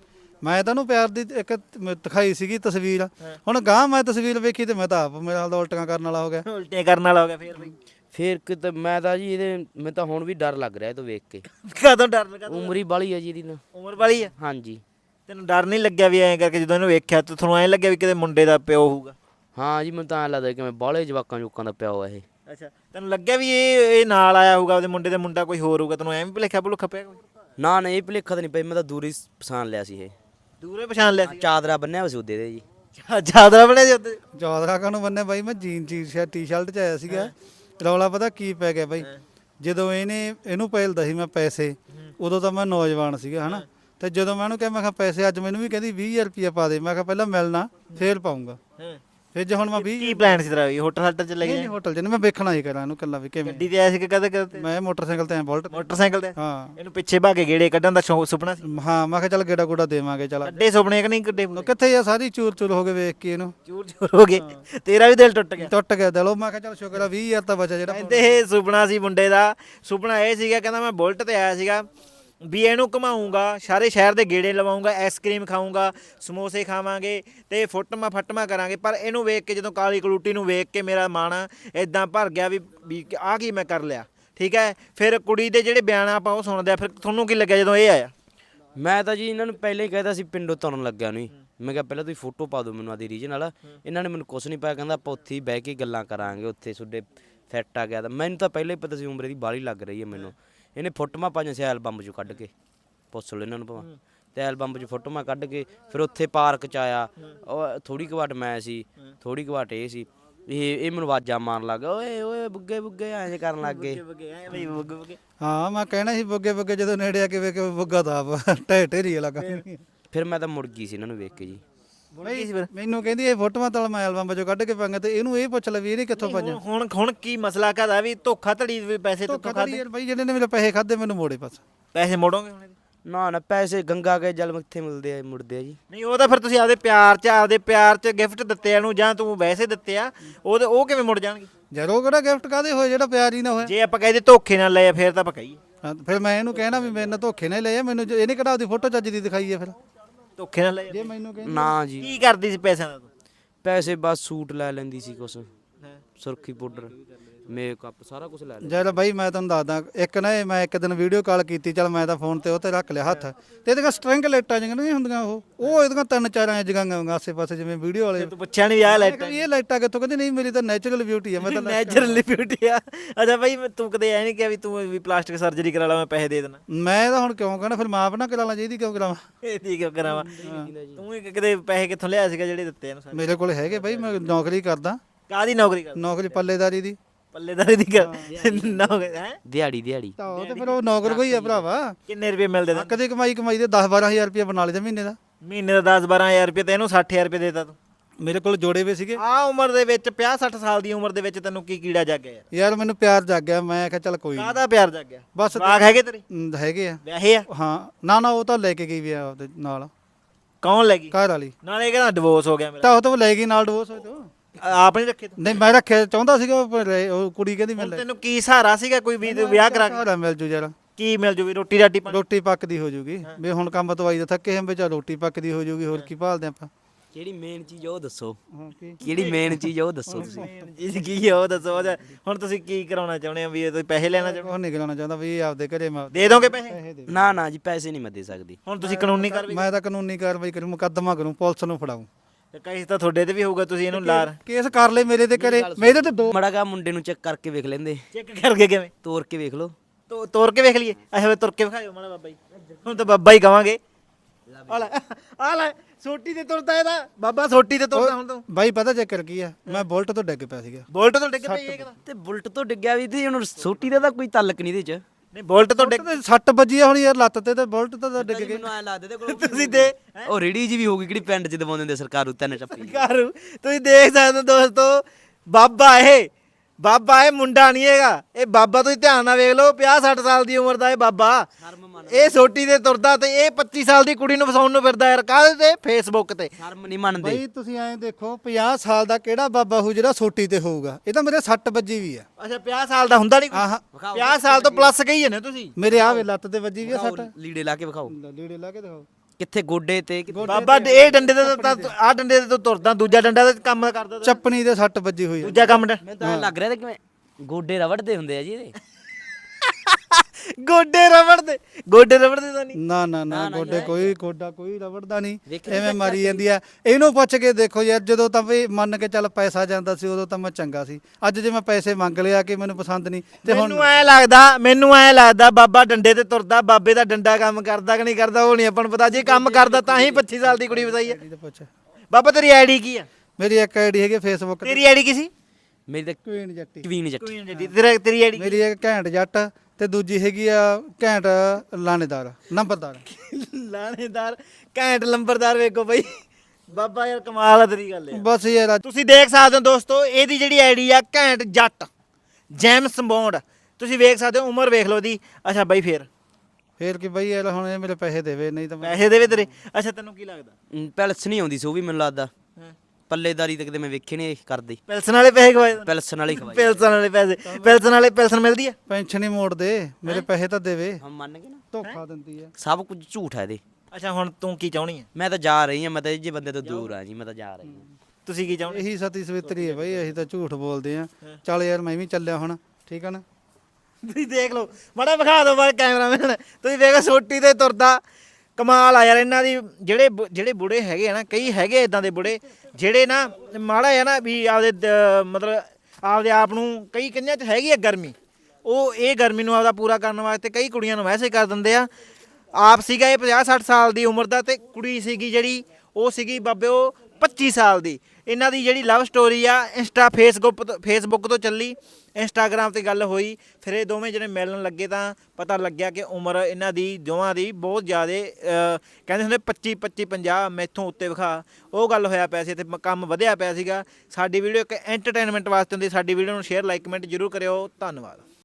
Speaker 3: ਮੈਂ ਤਾਂ ਉਹਨੂੰ ਪਿਆਰ ਦੀ ਇੱਕ ਮ- ਦਿਖਾਈ ਸੀਗੀ ਤਸਵੀਰ। ਹੁਣ ਗਾਂ ਮੈਂ ਤਸਵੀਰ ਵੇਖੀ ਤੇ ਮੈਂ ਤਾਂ ਆਪ ਮੇਰੇ ਨਾਲ ਤਾਂ ਉਲਟੀਆਂ ਕਰਨ ਵਾਲਾ ਹੋ ਗਿਆ।
Speaker 1: ਉਲਟੀਆਂ ਕਰਨ ਵਾਲਾ ਹੋ ਗਿਆ ਫੇਰ ਬਈ?
Speaker 2: ਫੇਰ ਕਿਤੇ ਮੈਂ ਤਾਂ ਜੀ ਇਹਦੇ, ਮੈਨੂੰ ਤਾਂ ਹੁਣ ਵੀ ਡਰ ਲੱਗ ਰਿਹਾ ਇਹ ਤੋਂ ਵੇਖ ਕੇ।
Speaker 1: ਕਦੋਂ ਡਰ ਲੱਗਾ?
Speaker 2: ਉਮਰ ਹੀ ਬਾਲੀ ਹੈ ਜੀ ਇਹਦੀ ਨਾ।
Speaker 1: ਉਮਰ ਵਾਲੀ ਆ?
Speaker 2: ਹਾਂਜੀ।
Speaker 1: ਤੈਨੂੰ ਡਰ ਨਹੀਂ ਲੱਗਿਆ ਵੀ ਐਂ ਕਰਕੇ ਜਦੋਂ ਇਹਨੂੰ ਵੇਖਿਆ ਤਾਂ ਤੁਹਾਨੂੰ ਐਂ ਲੱਗਿਆ ਵੀ ਕਿਤੇ ਮੁੰਡੇ ਦਾ ਪਿਓ ਹੋਊਗਾ?
Speaker 2: ਹਾਂ ਜੀ ਮੈਨੂੰ ਤਾਂ ਐਂ ਲੱਗਦਾ ਕਿ ਮੈਂ ਬਾਹਲੇ ਜਵਾਕਾਂ ਜੁਕਾਂ ਦਾ ਪਿਆ ਹੋਇਆ ਇਹ।
Speaker 1: ਅੱਛਾ ਤੈਨੂੰ ਲੱਗਿਆ ਵੀ ਇਹ ਇਹ ਨਾਲ ਆਇਆ ਹੋਊਗਾ ਉਹਦੇ ਮੁੰਡੇ ਦੇ, ਮੁੰਡਾ ਕੋਈ ਹੋਰ ਹੋਊਗਾ? ਤੈਨੂੰ ਐਵੇਂ ਭੁਲੇਖਾ ਭੁਲੇਖਾ ਪਿਆ ਕੋਈ?
Speaker 2: ਨਾ ਨਾ ਇਹ ਭੁਲੇਖਾ ਤਾਂ ਨਹੀਂ ਪਈ, ਮੈਂ ਤਾਂ ਦੂਰ ਹੀ ਪਛਾਣ ਲਿਆ ਸੀ ਇਹ।
Speaker 1: ਦੂਰੇ ਪਛਾਣ ਲਿਆ ਸੀ?
Speaker 2: ਚਾਦਰਾ ਬੰਨਿਆ ਵਸ ਉਹਦੇ ਦੇ ਜੀ।
Speaker 1: ਚਾਦਰਾ ਬਣੇ ਸੀ ਉੱਤੇ?
Speaker 3: ਚਾਦਰਾ ਕਾਹਨੂੰ ਬੰਨੇ ਬਾਈ, ਮੈਂ jean T shirt T shirt 'ਚ ਆਇਆ ਸੀਗਾ। ਰੌਲਾ ਪਤਾ ਕੀ ਪੈ ਗਿਆ ਬਾਈ, ਜਦੋਂ ਇਹਨੇ ਇਹਨੂੰ ਪਹਿਲਦਾ ਸੀ ਮੈਂ ਪੈਸੇ, ਉਦੋਂ ਤਾਂ ਮੈਂ ਨੌਜਵਾਨ ਸੀਗਾ ਹਨਾ। ਤੇ ਜਦੋਂ ਮੈਂ ਉਹਨੂੰ ਕਿਹਾ, ਮੈਂ ਕਿਹਾ ਪੈਸੇ ਅੱਜ ਮੈਨੂੰ ਵੀ ਕਹਿੰਦੀ ਵੀਹ ਹਜ਼ਾਰ ਰੁਪਇਆ ਪਾ ਦੇ। ਮੈਂ ਕਿਹਾ ਪਹਿਲਾਂ ਮਿਲਣਾ ਫੇਰ ਪਾਉਂਗਾ। ਫਿਰ ਜੇ ਹੁਣ ਮੈਂ ਵੀਹ
Speaker 1: ਕੀ ਪਲਾਨ ਸੀ ਤੇਰਾ? ਹੋਟਲ ਹਾਟਲ ਚ ਲੈ
Speaker 3: ਨਹੀਂ
Speaker 1: ਗਿਆ?
Speaker 3: ਨਹੀਂ ਹੋਟਲ 'ਚ ਨਹੀਂ, ਮੈਂ ਵੇਖਣਾ ਹੀ ਕਰਾਂ ਇਹਨੂੰ ਕੱਲਾ ਵੀ ਕਿਵੇਂ।
Speaker 1: ਗੱਡੀ ਤੇ ਆਇਆ ਸੀ ਕਿ ਕਦੇ ਕਦੇ?
Speaker 3: ਮੈਂ ਮੋਟਰਸਾਈਕਲ ਤੇ ਆਇਆ ਬੁਲਟ ਤੇ।
Speaker 1: ਮੋਟਰਸਾਈਕਲ ਤੇ?
Speaker 3: ਹਾਂ
Speaker 1: ਇਹਨੂੰ ਪਿੱਛੇ ਭਾਗੇ ਗੇੜੇ ਕੱਢਣ ਦਾ ਸ਼ੌਕ ਸੁਪਨਾ ਸੀ?
Speaker 3: ਹਾਂ ਮੈਂ ਕਿਹਾ ਚੱਲ ਗੇੜਾ ਗੂੜਾ ਦੇਵਾਂਗੇ ਚੱਲ।
Speaker 1: ਕੱਢੇ ਸੁਪਨੇ ਕਿ ਨਹੀਂ ਕੱਢੇ?
Speaker 3: ਕਿੱਥੇ ਆ, ਸਾਰੀ ਚੂਰ ਚੂਰ ਹੋ ਕੇ ਵੇਖ ਕੇ ਇਹਨੂੰ
Speaker 1: ਚੂਰ ਚੂਰ ਹੋ ਗਏ? ਤੇਰਾ ਵੀ ਦਿਲ ਟੁੱਟ ਗਿਆ?
Speaker 3: ਟੁੱਟ ਗਿਆ ਦਿਲੋਂ। ਮੈਂ ਕਿਹਾ ਚੱਲ ਸ਼ੁਕਰ ਆ ਵੀਹ ਹਜ਼ਾਰ ਤਾਂ ਬਚਾ ਜਿਹੜਾ।
Speaker 1: ਕਹਿੰਦੇ ਇਹ ਸੁਪਨਾ ਸੀ ਮੁੰਡੇ ਦਾ। ਸੁਪਨਾ ਇਹ ਸੀਗਾ, ਕਹਿੰਦਾ ਮੈਂ ਬੁਲਟ ਤੇ ਆਇਆ ਸੀਗਾ ਵੀ ਇਹਨੂੰ ਘੁਮਾਊਂਗਾ, ਸਾਰੇ ਸ਼ਹਿਰ ਦੇ ਗੇੜੇ ਲਵਾਊਂਗਾ, ਆਈਸਕ੍ਰੀਮ ਖਾਊਂਗਾ, ਸਮੋਸੇ ਖਾਵਾਂਗੇ ਤੇ ਫੁੱਟਮਾ ਫੱਟਮਾ ਕਰਾਂਗੇ। ਪਰ ਇਹਨੂੰ ਵੇਖ ਕੇ, ਜਦੋਂ ਕਾਲੀ ਕਲੂਟੀ ਨੂੰ ਵੇਖ ਕੇ ਮੇਰਾ ਮਨ ਇਦਾਂ ਭਰ ਗਿਆ ਵੀ ਵੀ ਆਹ ਕੀ ਮੈਂ ਕਰ ਲਿਆ। ਠੀਕ ਹੈ, ਫਿਰ ਕੁੜੀ ਦੇ ਜਿਹੜੇ ਬਿਆਨ ਆਪਾਂ ਉਹ ਸੁਣਦੇ ਆ। ਫਿਰ ਤੁਹਾਨੂੰ ਕੀ ਲੱਗਿਆ ਜਦੋਂ ਇਹ ਆਇਆ?
Speaker 2: ਮੈਂ ਤਾਂ ਜੀ ਇਹਨਾਂ ਨੂੰ ਪਹਿਲਾਂ ਹੀ ਕਹਿਤਾ ਸੀ ਪਿੰਡੋਂ ਤੁਰਨ ਲੱਗਿਆ ਨਹੀਂ, ਮੈਂ ਕਿਹਾ ਪਹਿਲਾਂ ਤੁਸੀਂ ਫੋਟੋ ਪਾ ਦਿਓ ਮੈਨੂੰ ਆਦੀ ਰੀਜਨਲ। ਇਹਨਾਂ ਨੇ ਮੈਨੂੰ ਕੁਛ ਨਹੀਂ ਪਾਇਆ, ਕਹਿੰਦਾ ਆਪਾਂ ਉੱਥੇ ਹੀ ਬਹਿ ਕੇ ਗੱਲਾਂ ਕਰਾਂਗੇ, ਉੱਥੇ ਤੁਹਾਡੇ ਫਿੱਟ ਆ ਗਿਆ। ਤਾਂ ਮੈਨੂੰ ਤਾਂ ਪਹਿਲਾਂ ਹੀ ਪਤਾ ਸੀ ਉਮਰ ਦੀ ਬਾਹਲੀ ਲੱਗ ਰਹੀ ਹੈ ਮੈਨੂੰ। ਇਹਨੇ ਫੋਟੋਆਂ ਪਾਈਆਂ ਸੀ ਐਲਬਮ 'ਚੋਂ ਕੱਢ ਕੇ, ਪੁੱਛ ਲਓ ਇਹਨਾਂ ਨੂੰ ਭਾਵੇਂ। ਤੇ ਐਲਬਮ 'ਚ ਫੋਟੋਆਂ ਕੱਢ ਕੇ ਫਿਰ ਉੱਥੇ ਪਾਰਕ 'ਚ ਆਇਆ, ਉਹ ਥੋੜ੍ਹੀ ਕੁ ਵਾਟ ਮੈਂ ਸੀ, ਥੋੜ੍ਹੀ ਕੁ ਵਾਟ ਇਹ ਸੀ। ਇਹ ਇਹ ਮੈਨੂੰ ਆਵਾਜ਼ਾਂ ਮਾਰਨ ਲੱਗ ਗਿਆ, ਓਏ ਓਏ ਬੁੱਗੇ ਬੁੱਗੇ ਐਂ ਕਰਨ ਲੱਗ ਗਏ।
Speaker 3: ਹਾਂ ਮੈਂ ਕਹਿਣਾ ਸੀ ਬੁੱਗੇ ਬੁੱਗੇ, ਜਦੋਂ ਨੇੜੇ ਆ ਕੇ ਵੇਖ ਕੇ ਬੁੱਗਾ ਤਾਂ ਆਪ ਢਹਿ ਢੇਰੀ ਲੱਗਾ।
Speaker 2: ਫਿਰ ਮੈਂ ਤਾਂ ਮੁੜ ਗਈ ਸੀ ਇਹਨਾਂ ਨੂੰ ਵੇਖ ਕੇ ਜੀ।
Speaker 3: ਮੈਨੂੰ ਕਹਿੰਦੀ ਇਹ ਫੋਟੋਆਂ ਤਾਂ ਮੈਂ ਐਲਬਮ ਵਿੱਚੋਂ ਕੱਢ ਕੇ ਪਾਂਗਾ, ਤੇ ਇਹਨੂੰ ਇਹ ਪੁੱਛ ਲੈ ਵੀ ਇਹਨੇ ਕਿੱਥੋਂ ਪਾਈਆਂ।
Speaker 1: ਹੁਣ ਹੁਣ ਕੀ ਮਸਲਾ ਕਾਹਦਾ ਵੀ ਧੋਖਾ ਧੜੀ ਵੀ ਪੈਸੇ ਤੋਂ ਖਾਦੇ?
Speaker 3: ਬਾਈ ਜਿਹੜੇ ਨੇ ਮੇਰੇ ਪੈਸੇ ਖਾਦੇ ਮੈਨੂੰ ਮੋੜੇ ਬਸ।
Speaker 1: ਪੈਸੇ ਮੋੜੋਗੇ ਹੁਣ?
Speaker 2: ਨਾ ਨਾ ਪੈਸੇ ਗੰਗਾ ਕੇ ਜਲ ਕਿੱਥੇ ਮਿਲਦੇ ਆ, ਮੁੜਦੇ ਆ ਜੀ।
Speaker 1: ਨਹੀਂ ਉਹ ਤਾਂ ਫਿਰ ਤੁਸੀਂ ਆਪਦੇ ਪਿਆਰ 'ਚ ਆਪਦੇ ਪਿਆਰ 'ਚ ਗਿਫਟ ਦਿੱਤੇ ਇਹਨੂੰ, ਜਾਂ ਤੂੰ ਵੈਸੇ ਦਿੱਤੇ ਆ, ਉਹ ਉਹ ਕਿਵੇਂ ਮੁੜ ਜਾਣਗੇ?
Speaker 3: ਯਾਰ ਉਹ ਕਿਹੜਾ ਗਿਫਟ ਕਾਹਦੇ ਹੋਏ ਜਿਹੜਾ ਪਿਆਰ ਹੀ ਨਾ ਹੋਇਆ।
Speaker 1: ਜੇ ਆਪਾਂ ਕਹਿੰਦੇ ਧੋਖੇ ਨਾਲ ਲਏ ਫਿਰ ਤਾਂ ਆਪਾਂ ਕਹੀਏ।
Speaker 3: ਹਾਂ ਫਿਰ ਮੈਂ ਇਹਨੂੰ ਕਹਿਣਾ ਵੀ ਮੇਰੇ ਨਾਲ ਧੋਖੇ ਨਾਲ ਲਏ ਆ, ਮੈਨੂੰ ਇਹਨੇ ਕਿਹੜਾ ਉਹਦੀ ਫੋਟੋ ਚੱਜ ਦੀ ਦਿਖਾਈ ਹੈ। ਫਿਰ
Speaker 1: ਧੋਖੇ ਨਾਲ ਲਏ
Speaker 3: ਜੇ ਮੈਨੂੰ ਕਹਿੰਦੀ
Speaker 2: ਨਾ ਜੀ।
Speaker 1: ਕੀ ਕਰਦੀ ਸੀ ਪੈਸਿਆਂ ਦਾ ਤੂੰ?
Speaker 2: ਪੈਸੇ ਬਸ ਸੂਟ ਲੈ ਲੈਂਦੀ ਸੀ, ਕੁਛ ਸੁਰਖੀ ਪਾਊਡਰ ਮੇਕਅਪ ਸਾਰਾ ਕੁਝ ਲੈ ਲਿਆ।
Speaker 3: ਯਾਰ ਬਾਈ ਮੈਂ ਤੁਹਾਨੂੰ ਦੱਸਦਾ, ਇੱਕ ਨਾ ਇਹ ਮੈਂ ਇੱਕ ਦਿਨ ਵੀਡੀਓ ਕਾਲ ਕੀਤੀ, ਚੱਲ ਮੈਂ ਤਾਂ ਫੋਨ ਤੇ ਉਹ ਤੇ ਰੱਖ ਲਿਆ ਹੱਥ, ਤੇ ਇਹਦੀਆਂ ਸਟਰਿੰਗ ਲਾਈਟਾਂ ਜਿਹੀਆਂ ਨਹੀਂ ਹੁੰਦੀਆਂ, ਉਹ ਉਹ ਇਹਦੀਆਂ ਤਿੰਨ ਚਾਰ ਐਂ ਜਗਾਂਗਾ ਆਸੇ ਪਾਸੇ ਜਿਵੇਂ ਵੀਡੀਓ ਵਾਲੇ।
Speaker 1: ਤੂੰ ਪੁੱਛਿਆ ਨਹੀਂ ਆਹ ਲਾਈਟਾਂ?
Speaker 3: ਇਹ ਲਾਈਟਾਂ ਕਿੱਥੋਂ? ਕਹਿੰਦੀ ਨਹੀਂ ਮੇਰੀ ਤਾਂ ਨੈਚੁਰਲ ਬਿਊਟੀ ਆ, ਮੈਂ ਤਾਂ
Speaker 1: ਨੈਚੁਰਲ ਬਿਊਟੀ ਆ। ਅੱਛਾ ਬਾਈ ਤੂੰ ਕਦੇ ਐ ਨਹੀਂ ਕਿਹਾ ਵੀ ਤੂੰ ਵੀ ਪਲਾਸਟਿਕ ਸਰਜਰੀ ਕਰਾ ਲਾ, ਮੈਂ ਪੈਸੇ ਦੇ ਦੇਣਾ?
Speaker 3: ਮੈਂ ਤਾਂ ਹੁਣ ਕਿਉਂ ਕਹਿਣਾ, ਫਿਰ ਮਾਪ ਨਾ ਕਰਾ ਲਾਂ, ਜਿਹਦੀ ਕਿਉਂ ਕਰਾਵਾਂ?
Speaker 1: ਇਹਦੀ ਕਿਉਂ ਕਰਾਵਾਂ? ਤੂੰ ਕਿਤੇ ਪੈਸੇ ਕਿੱਥੋਂ ਲਿਆ ਸੀਗਾ ਜਿਹੜੇ ਦਿੱਤੇ ਇਹਨੂੰ ਸਾਰੇ?
Speaker 3: ਮੇਰੇ ਕੋਲ ਹੈਗੇ ਬਾਈ, ਮੈਂ ਨੌਕਰੀ ਕਰਦਾ।
Speaker 1: ਕਾਹਦੀ ਨੌਕਰੀ ਕਰਦਾ?
Speaker 3: ਨੌਕਰੀ ਪੱਲੇਦਾਰੀ ਦੀ।
Speaker 1: ਪੱਲੇਦਾਰੀ ਦੀ ਕਰ ਨੌਕਰੀ ਹੈ?
Speaker 2: ਦਿਹਾੜੀ ਦਿਹਾੜੀ
Speaker 3: ਤਾਂ ਉਹ ਤੇ ਫਿਰ ਉਹ ਨੌਕਰ ਕੋਈ ਆ ਭਰਾਵਾ।
Speaker 1: ਕਿੰਨੇ ਰੁਪਏ ਮਿਲਦੇ ਤੈਨੂੰ?
Speaker 3: ਕਦੇ ਕਮਾਈ ਕਮਾਈ ਦੇ ਦਸ ਬਾਰਾਂ ਹਜ਼ਾਰ ਰੁਪਏ ਬਣਾ ਲਈਦਾ ਮਹੀਨੇ ਦਾ।
Speaker 1: ਮਹੀਨੇ ਦਾ ਦਸ ਬਾਰਾਂ ਹਜ਼ਾਰ ਰੁਪਏ ਤੇ ਇਹਨੂੰ ਸੱਠ ਹਜ਼ਾਰ ਰੁਪਏ ਦੇਤਾ ਤੂੰ?
Speaker 3: ਮੇਰੇ ਕੋਲ ਜੋੜੇ ਵੇ ਸੀਗੇ।
Speaker 1: ਆਹ ਉਮਰ ਦੇ ਵਿੱਚ ਪੰਜਾਹ ਸੱਠ ਸਾਲ ਦੀ ਉਮਰ ਦੇ ਵਿੱਚ ਤੈਨੂੰ ਕੀ ਕੀੜਾ ਜਾਗ ਗਿਆ ਯਾਰ?
Speaker 3: ਯਾਰ ਮੈਨੂੰ ਪਿਆਰ ਜਾਗ ਗਿਆ, ਮੈਂ ਕਿਹਾ ਚੱਲ ਕੋਈ
Speaker 1: ਕਾਹਦਾ ਪਿਆਰ ਜਾਗ ਗਿਆ?
Speaker 3: ਬਸ
Speaker 1: ਵਾਗ ਹੈਗੇ ਤੇਰੇ?
Speaker 3: ਨ- ਹੈਗੇ ਆ।
Speaker 1: ਵਿਆਹੇ ਆ?
Speaker 3: ਹਾਂ ਨਾ ਨਾ ਉਹ ਤਾਂ ਲੈ ਕੇ ਗਈ ਵੀ ਆ ਉਹਦੇ ਨਾਲ,
Speaker 1: ਕੌਣ ਲੈ ਗਈ?
Speaker 3: ਘਰ ਵਾਲੀ।
Speaker 1: ਨਾਲੇ ਕਹਿੰਦਾ ਡਿਵੋਰਸ ਹੋ ਗਿਆ ਮੇਰਾ।
Speaker 3: ਤਾਂ ਉਹ ਤਾਂ ਲੈ ਗਈ ਨਾਲ ਡਿਵੋਰਸ ਹੋਏ ਤੋਂ।
Speaker 1: ਆਪ ਨਹੀਂ ਰੱਖੇ ਤੂੰ?
Speaker 3: ਨਹੀਂ ਮੈਂ ਰੱਖਿਆ ਚਾਹੁੰਦਾ ਸੀਗਾ, ਉਹ ਪਰ ਲੈ- ਉਹ ਕੁੜੀ ਕਹਿੰਦੀ ਮੈਂ ਲੈ।
Speaker 1: ਤੈਨੂੰ ਕੀ ਸਹਾਰਾ ਸੀਗਾ ਕੋਈ ਵੀ ਤੂੰ ਵਿਆਹ ਕਰਾ ਕੇ?
Speaker 3: ਸਹਾਰਾ ਮਿਲ ਜੂ ਯਾਰ,
Speaker 1: ਕੀ ਮਿਲ ਜੂ ਵੀ? ਰੋਟੀ ਰਾਟੀ ਪਾਣੀ?
Speaker 3: ਰੋਟੀ ਪੱਕਦੀ ਹੋ ਜੂਗੀ ਵੀ ਹੁਣ ਕੰਮ ਤੋਂ ਆਈ ਤਾਂ ਥੱਕੇ ਹਾਂ ਵੀ ਚੱਲ ਰੋਟੀ ਪੱਕਦੀ ਹੋ ਜੂਗੀ, ਹੋਰ ਕੀ ਭਾਲਦੇ ਆਪਾਂ।
Speaker 2: ਕਿਹੜੀ ਮੇਨ ਚੀਜ਼ ਉਹ ਦੱਸੋ,
Speaker 3: ਹਾਂ ਕੀ
Speaker 2: ਕਿਹੜੀ ਮੇਨ ਚੀਜ਼ ਉਹ ਦੱਸੋ ਤੁਸੀਂ।
Speaker 1: ਜੀ ਕੀ ਆ ਉਹ ਦੱਸੋ। ਉਹਦਾ- ਹੁਣ ਤੁਸੀਂ ਕੀ ਕਰਾਉਣਾ ਚਾਹੁੰਦੇ ਹੋ ਵੀ ਇਹ ਤੁਸੀਂ ਪੈਸੇ ਲੈਣਾ ਚਾਹੁੰਦੇ
Speaker 3: ਉਹ ਨਿਕਲਣਾ ਚਾਹੁੰਦਾ ਵੀ ਇਹ ਆਪਦੇ ਘਰੇ ਮੈਂ
Speaker 1: ਦੇ ਦੋਗੇ ਪੈਸੇ?
Speaker 3: ਪੈਸੇ ਦੇ।
Speaker 2: ਨਾ ਨਾ ਜੀ ਪੈਸੇ ਨਹੀਂ ਮੈਂ ਦੇ ਸਕਦੀ।
Speaker 1: ਹੁਣ ਤੁਸੀਂ ਕਾਨੂੰਨੀ ਕਾਰਵਾਈ?
Speaker 3: ਮੈਂ ਤਾਂ ਕਾਨੂੰਨੀ ਕਾਰਵਾਈ ਕਰੂੰ, ਮੁਕੱਦਮਾ ਕਰੂੰ, ਪੁਲਿਸ ਨੂੰ ਫੜਾਊਂ।
Speaker 1: ਤੇ ਕਈ ਤਾਂ ਤੁਹਾਡੇ ਤੇ ਵੀ ਹੋਊਗਾ, ਤੁਸੀਂ ਇਹਨੂੰ ਲਾਰ
Speaker 3: ਕੇਸ ਕਰ ਲੈ ਮੇਰੇ ਤੇ ਕਰੇ, ਮੇਰੇ ਤੇ ਦੋ।
Speaker 2: ਮੜਾ ਗਾ ਮੁੰਡੇ ਨੂੰ ਚੈੱਕ ਕਰਕੇ ਵੇਖ ਲੈਂਦੇ,
Speaker 1: ਚੈੱਕ ਕਰਕੇ ਕਿਵੇਂ?
Speaker 2: ਤੋਰ ਕੇ ਵੇਖ ਲਓ।
Speaker 1: ਤੋ ਤੋਰ ਕੇ ਵੇਖ ਲਈਏ? ਅੱਛਾ ਵੇ ਤੁਰ ਕੇ ਵਿਖਾਇਓ ਮਾੜਾ ਬਾਬਾ ਜੀ। ਹੁਣ ਤਾਂ ਬਾਬਾ ਹੀ ਕਵਾਂਗੇ। ਆ ਲੈ ਆ ਲੈ ਸੋਟੀ ਤੇ ਤੁਰਦਾ ਇਹਦਾ ਬਾਬਾ, ਸੋਟੀ ਤੇ ਤੁਰਦਾ ਹੁਣ ਤੂੰ।
Speaker 3: ਬਾਈ ਪਤਾ ਚੱਕਰ ਕੀ ਆ, ਮੈਂ ਬੁਲਟ ਤੋਂ ਡਿੱਗ ਪਿਆ ਸੀਗਾ।
Speaker 1: ਬੋਲਟ ਤੋਂ ਡਿੱਗ ਪਈ ਇਹ ਕਹਿੰਦਾ?
Speaker 2: ਤੇ ਬੁਲਟ ਤੋਂ ਡਿੱਗਿਆ ਵੀ ਤੇ ਹੁਣ ਸੋਟੀ ਦਾ ਤਾਂ ਕੋਈ ਤਾਲਕ ਨਹੀਂ ਇਹਦੇ ਚ।
Speaker 1: ਨਹੀਂ ਬੋਲਟ ਤੋਂ ਡਿੱਗ
Speaker 3: ਤੇ ਸੱਟ ਵੱਜੀ ਆ ਹੁਣ ਯਾਰ ਲੱਤ ਤੇ, ਤੇ ਬੁਲਟ ਤੋਂ ਤਾਂ ਡਿੱਗ ਗਏ।
Speaker 2: ਮੈਨੂੰ ਐ ਲੱਗਦਾ ਤੇ ਕੋਲ
Speaker 1: ਤੁਸੀਂ ਦੇ
Speaker 2: ਉਹ ਰੇੜੀ ਜੀ ਵੀ ਹੋਊਗੀ ਕਿਹੜੀ ਪਿੰਡ ਚ ਦਵਾਉਂਦੇ ਹੁੰਦੇ ਸਰਕਾਰ ਉੱਤੇ ਨੇ ਚੱਪੀ।
Speaker 1: ਕਾਰੂ ਤੁਸੀਂ ਦੇਖ ਸਕਦੇ ਹੋ ਦੋਸਤੋ, ਬਾਬਾ ਇਹ ਬਾਬਾ ਇਹ ਮੁੰਡਾ ਨਹੀਂ ਹੈਗਾ, ਇਹ ਬਾਬਾ ਤੁਸੀਂ ਧਿਆਨ ਨਾਲ ਵੇਖ ਲਓ, ਪੰਜਾਹ ਸੱਠ ਸਾਲ ਦੀ ਉਮਰ ਦਾ ਇਹ ਬਾਬਾ। ਇਹ ਸੋਟੀ ਤੇ ਤੁਰਦਾ ਤੇ ਇਹ ਪੱਚੀ ਸਾਲ ਦੀ ਕੁੜੀ ਨੂੰ ਫਸਾਉਣ ਨੂੰ ਫਿਰਦਾ ਯਾਰ। ਕਾਹਦੇ ਤੇ? ਫੇਸਬੁੱਕ ਤੇ।
Speaker 2: ਸ਼ਰਮ ਨਹੀਂ ਮੰਨਦੇ।
Speaker 3: ਬਾਈ ਤੁਸੀਂ ਐਂ ਦੇਖੋ, ਪੰਜਾਹ ਸਾਲ ਦਾ ਕਿਹੜਾ ਬਾਬਾ ਹੋ ਜਿਹੜਾ ਸੋਟੀ ਤੇ ਹੋਊਗਾ? ਇਹ ਤਾਂ ਮੇਰੇ ਸੱਟ ਵੱਜੀ ਵੀ ਆ।
Speaker 1: ਅੱਛਾ ਪੰਜਾਹ ਸਾਲ ਦਾ ਹੁੰਦਾ ਨਹੀਂ ਕੋਈ?
Speaker 3: ਆਹ
Speaker 1: ਪੰਜਾਹ ਸਾਲ ਤੋਂ ਪਲੱਸ ਗਈ ਨੇ ਤੁਸੀਂ।
Speaker 3: ਮੇਰੇ ਆਹ ਵੇ ਲੱਤ ਤੇ ਵੱਜੀ ਵੀ ਆ ਸੱਟ।
Speaker 2: ਲੀੜੇ ਲਾ ਕੇ ਵਿਖਾਓ
Speaker 3: ਲੀੜੇ ਲਾ ਕੇ ਦਿਖਾਓ
Speaker 2: ਕਿੱਥੇ, ਗੋਡੇ ਤੇ ਕਿੱਥੇ?
Speaker 1: ਬਾਬਾ ਇਹ ਡੰਡੇ ਤੇ ਤਾਂ ਆਹ ਡੰਡੇ ਤੇ ਤੂੰ ਤੁਰਦਾ, ਦੂਜਾ ਡੰਡਾ ਤੇ ਕੰਮ ਕਰਦਾ ਤੂੰ।
Speaker 3: ਚੱਪਣੀ ਦੇ ਸੱਟ ਵੱਜੀ ਹੋਈ ਆ।
Speaker 1: ਦੂਜਾ ਕੰਮ ਡ-
Speaker 2: ਮੈਨੂੰ ਤਾਂ ਐਂ ਲੱਗ ਰਿਹਾ ਤੇ ਕਿਵੇਂ ਗੋਡੇ ਰਵੜ ਦੇ ਹੁੰਦੇ ਆ ਜੀ ਇਹਦੇ।
Speaker 1: ਗੋਡੇ ਰਬੜ ਦੇ? ਗੋਡੇ ਰਬੜ ਦੇ ਤਾਂ ਨਹੀਂ।
Speaker 3: ਨਾ ਨਾ ਨਾ ਗੋਡੇ ਕੋਈ ਗੋਡਾ ਕੋਈ ਰਬੜਦਾ ਨਹੀਂ,
Speaker 2: ਵੇਖੀ
Speaker 3: ਐਵੇਂ ਮਾਰੀ ਜਾਂਦੀ ਆ। ਇਹਨੂੰ ਪੁੱਛ ਕੇ ਦੇਖੋ ਯਾਰ, ਜਦੋਂ ਤਾਂ ਵੀ ਮੰਨ ਕੇ ਚੱਲ ਪੈਸਾ ਜਾਂਦਾ ਸੀ ਉਦੋਂ ਤਾਂ ਮੈਂ ਚੰਗਾ ਸੀ, ਅੱਜ ਜੇ ਮੈਂ ਪੈਸੇ ਮੰਗ ਲਿਆ ਕਿ ਮੈਨੂੰ ਪਸੰਦ ਨਹੀਂ ਤੇ ਹੁਣ
Speaker 1: ਮੈਨੂੰ ਐ ਲੱਗਦਾ ਮੈਨੂੰ ਐ ਲੱਗਦਾ ਬਾਬਾ ਡੰਡੇ ਤੇ ਤੁਰਦਾ, ਬਾਬੇ ਦਾ ਡੰਡਾ ਕੰਮ ਕਰਦਾ ਕਿ ਨਹੀਂ ਕਰਦਾ ਉਹ ਨਹੀਂ ਆਪਾਂ ਨੂੰ ਪਤਾ। ਜੇ ਕੰਮ ਕਰਦਾ ਤਾਂ ਹੀ ਪੱਚੀ ਸਾਲ ਦੀ ਕੁੜੀ ਵਸਾਈ ਹੈ।
Speaker 3: ਇਹਦੇ ਪੁੱਛ।
Speaker 1: ਬਾਬਾ ਤੇਰੀ ਆਈਡੀ ਕੀ ਆ?
Speaker 3: ਮੇਰੀ ਇੱਕ ਆਈਡੀ ਹੈਗੀ ਫੇਸਬੁੱਕ ਤੇ,
Speaker 1: ਤੇਰੀ ਆਈਡੀ ਕੀ ਸੀ?
Speaker 2: ਮੇਰੀ ਤਾਂ
Speaker 3: ਕੁਈਨ ਜੱਟੀ।
Speaker 2: ਕਵੀਨ ਜੱਟੀ।
Speaker 1: ਤੇਰਾ ਤੇਰੀ ਆਈਡੀ
Speaker 3: ਮੇਰੀ ਇੱਕ ਘੈਂਟ ਜੱਟ ਤੇ ਦੂਜੀ ਹੈਗੀ ਆ ਘੈਂਟ ਲਾਣੇਦਾਰ ਨੰਬਰਦਾਰ।
Speaker 1: ਲਾਣੇਦਾਰ ਘੈਂਟ ਲੰਬਰਦਾਰ। ਵੇਖੋ ਬਈ ਬਾਬਾ ਯਾਰ ਕਮਾਲ ਆ ਤੇਰੀ ਗੱਲ ਯਾਰ।
Speaker 3: ਬਸ ਯਾਰ
Speaker 1: ਤੁਸੀਂ ਦੇਖ ਸਕਦੇ ਹੋ ਦੋਸਤੋ, ਇਹਦੀ ਜਿਹੜੀ ਆਈਡੀ ਆ ਘੈਂਟ ਜੱਟ ਜੈਮਸ ਬੌਂਡ, ਤੁਸੀਂ ਵੇਖ ਸਕਦੇ ਹੋ। ਉਮਰ ਵੇਖ ਲਓ ਦੀ। ਅੱਛਾ ਬਾਈ ਫੇਰ
Speaker 3: ਫੇਰ ਕੀ ਬਈ ਯਾਰ ਹੁਣ ਇਹ ਮੇਰੇ ਪੈਸੇ ਦੇਵੇ, ਨਹੀਂ ਤਾਂ ਮੈਂ
Speaker 1: ਪੈਸੇ ਦੇਵੇ ਤੇਰੇ? ਅੱਛਾ ਤੈਨੂੰ ਕੀ ਲੱਗਦਾ?
Speaker 2: ਪੈਲਸ ਨਹੀਂ ਆਉਂਦੀ ਸੀ ਉਹ ਵੀ ਮੈਨੂੰ ਲੱਗਦਾ।
Speaker 1: ਹਾਂ।
Speaker 2: ਪੱਲੇਦਾਰੀ ਤਾਂ ਕਿਤੇ ਮੈਂ ਵੇਖੀ ਨਹੀਂ ਕਰਦੀ।
Speaker 1: ਪੈਲਸਨ ਵਾਲੇ ਪੈਸੇ ਖਵਾਏ?
Speaker 2: ਪੈਲਸਨ ਵਾਲੀ ਖਵਾਈ।
Speaker 1: ਪੈਲਸਨ ਵਾਲੇ ਪੈਸੇ? ਪੈਲਸਨ ਵਾਲੇ ਪੈਲਸਨ ਮਿਲਦੀ ਆ?
Speaker 3: ਪੈਨਸ਼ਨ ਹੀ ਮੋੜ ਦੇ, ਮੇਰੇ ਪੈਸੇ ਤਾਂ ਦੇਵੇ।
Speaker 2: ਹਮ ਮੰਨ ਗਏ ਨਾ,
Speaker 3: ਧੋਖਾ ਦਿੰਦੀ ਆ।
Speaker 2: ਸਭ ਕੁਝ ਝੂਠ ਹੈ ਇਹਦੇ।
Speaker 1: ਅੱਛਾ ਹੁਣ ਤੂੰ ਕੀ ਚਾਹਣੀ ਹੈ?
Speaker 2: ਮੈਂ ਤਾਂ ਜਾ ਰਹੀ ਹਾਂ, ਮੈਂ ਤਾਂ ਇਹ ਜੇ ਬੰਦੇ ਤੋਂ ਦੂਰ ਆ ਜੀ, ਮੈਂ ਤਾਂ ਜਾ ਰਹੀ ਹਾਂ।
Speaker 1: ਤੁਸੀਂ ਕੀ ਚਾਹੁੰਦੇ?
Speaker 3: ਇਹੀ ਸਤੀ ਸਵਿਤਰੀ ਹੈ ਬਈ, ਅਸੀਂ ਤਾਂ ਝੂਠ ਬੋਲਦੇ ਆ। ਚੱਲ ਯਾਰ ਮੈਂ ਵੀ ਚੱਲਿਆ ਹੁਣ, ਠੀਕ ਆ ਨਾ।
Speaker 1: ਤੁਸੀਂ ਦੇਖ ਲਓ ਮਾੜਾ ਵਿਖਾ ਦਿਓ ਬਾਹਰ ਕੈਮਰਾਮੈਨ। ਤੁਸੀਂ ਵੇਖੋ ਸੋਟੀ ਤੇ ਤੁਰਦਾ, ਕਮਾਲ ਆ ਯਾਰ ਇਹਨਾਂ ਦੀ। ਜਿਹੜੇ ਬੁ- ਜਿਹੜੇ ਬੁੜੇ ਹੈਗੇ ਆ ਨਾ, ਕਈ ਹੈਗੇ ਇਦਾਂ ਦੇ ਬੁੜੇ ਜਿਹੜੇ ਨਾ ਮਾੜਾ ਆ ਨਾ ਵੀ ਆਪਦੇ ਦ- ਮਤਲਬ ਆਪਦੇ ਆਪ ਨੂੰ, ਕਈ ਕਈਆਂ 'ਚ ਹੈਗੀ ਆ ਗਰਮੀ, ਉਹ ਇਹ ਗਰਮੀ ਨੂੰ ਆਪਦਾ ਪੂਰਾ ਕਰਨ ਵਾਸਤੇ ਕਈ ਕੁੜੀਆਂ ਨੂੰ ਵੈਸੇ ਕਰ ਦਿੰਦੇ ਆ। ਆਪ ਸੀਗਾ ਇਹ ਪੰਜਾਹ ਸੱਠ ਸਾਲ ਦੀ ਉਮਰ ਦਾ, ਤੇ ਕੁੜੀ ਸੀਗੀ ਜਿਹੜੀ ਉਹ ਸੀਗੀ ਬਾਬੇ ਉਹ ਪੱਚੀ ਸਾਲ ਦੀ। ਇਹਨਾਂ ਦੀ ਜਿਹੜੀ ਲਵ ਸਟੋਰੀ ਆ ਇੰਸਟਾ ਫੇਸਬੁੱਕ ਤੋਂ ਫੇਸਬੁੱਕ ਤੋਂ ਚੱਲੀ, ਇੰਸਟਾਗ੍ਰਾਮ ਤੇ ਗੱਲ ਹੋਈ, ਫਿਰ ਇਹ ਦੋਵੇਂ ਜਿਹੜੇ ਮਿਲਣ ਲੱਗੇ ਤਾਂ ਪਤਾ ਲੱਗਿਆ ਕਿ ਉਮਰ ਇਹਨਾਂ ਦੀ ਦੋਵਾਂ ਦੀ ਬਹੁਤ ਜ਼ਿਆਦਾ, ਕਹਿੰਦੇ ਹੁੰਦੇ ਪੱਚੀ ਪੱਚੀ ਪੰਜਾਹ ਮੈਥੋਂ ਉੱਤੇ ਵਿਖਾ, ਉਹ ਗੱਲ ਹੋਇਆ ਪਿਆ ਸੀ। ਇੱਥੇ ਕੰਮ ਵਧਿਆ ਪਿਆ ਸੀਗਾ। ਸਾਡੀ ਵੀਡੀਓ ਇੱਕ ਐਂਟਰਟੇਨਮੈਂਟ ਵਾਸਤੇ ਹੁੰਦੀ। ਸਾਡੀ ਵੀਡੀਓ ਨੂੰ ਸ਼ੇਅਰ ਲਾਈਕ ਕਮੈਂਟ ਜ਼ਰੂਰ ਕਰਿਓ। ਧੰਨਵਾਦ।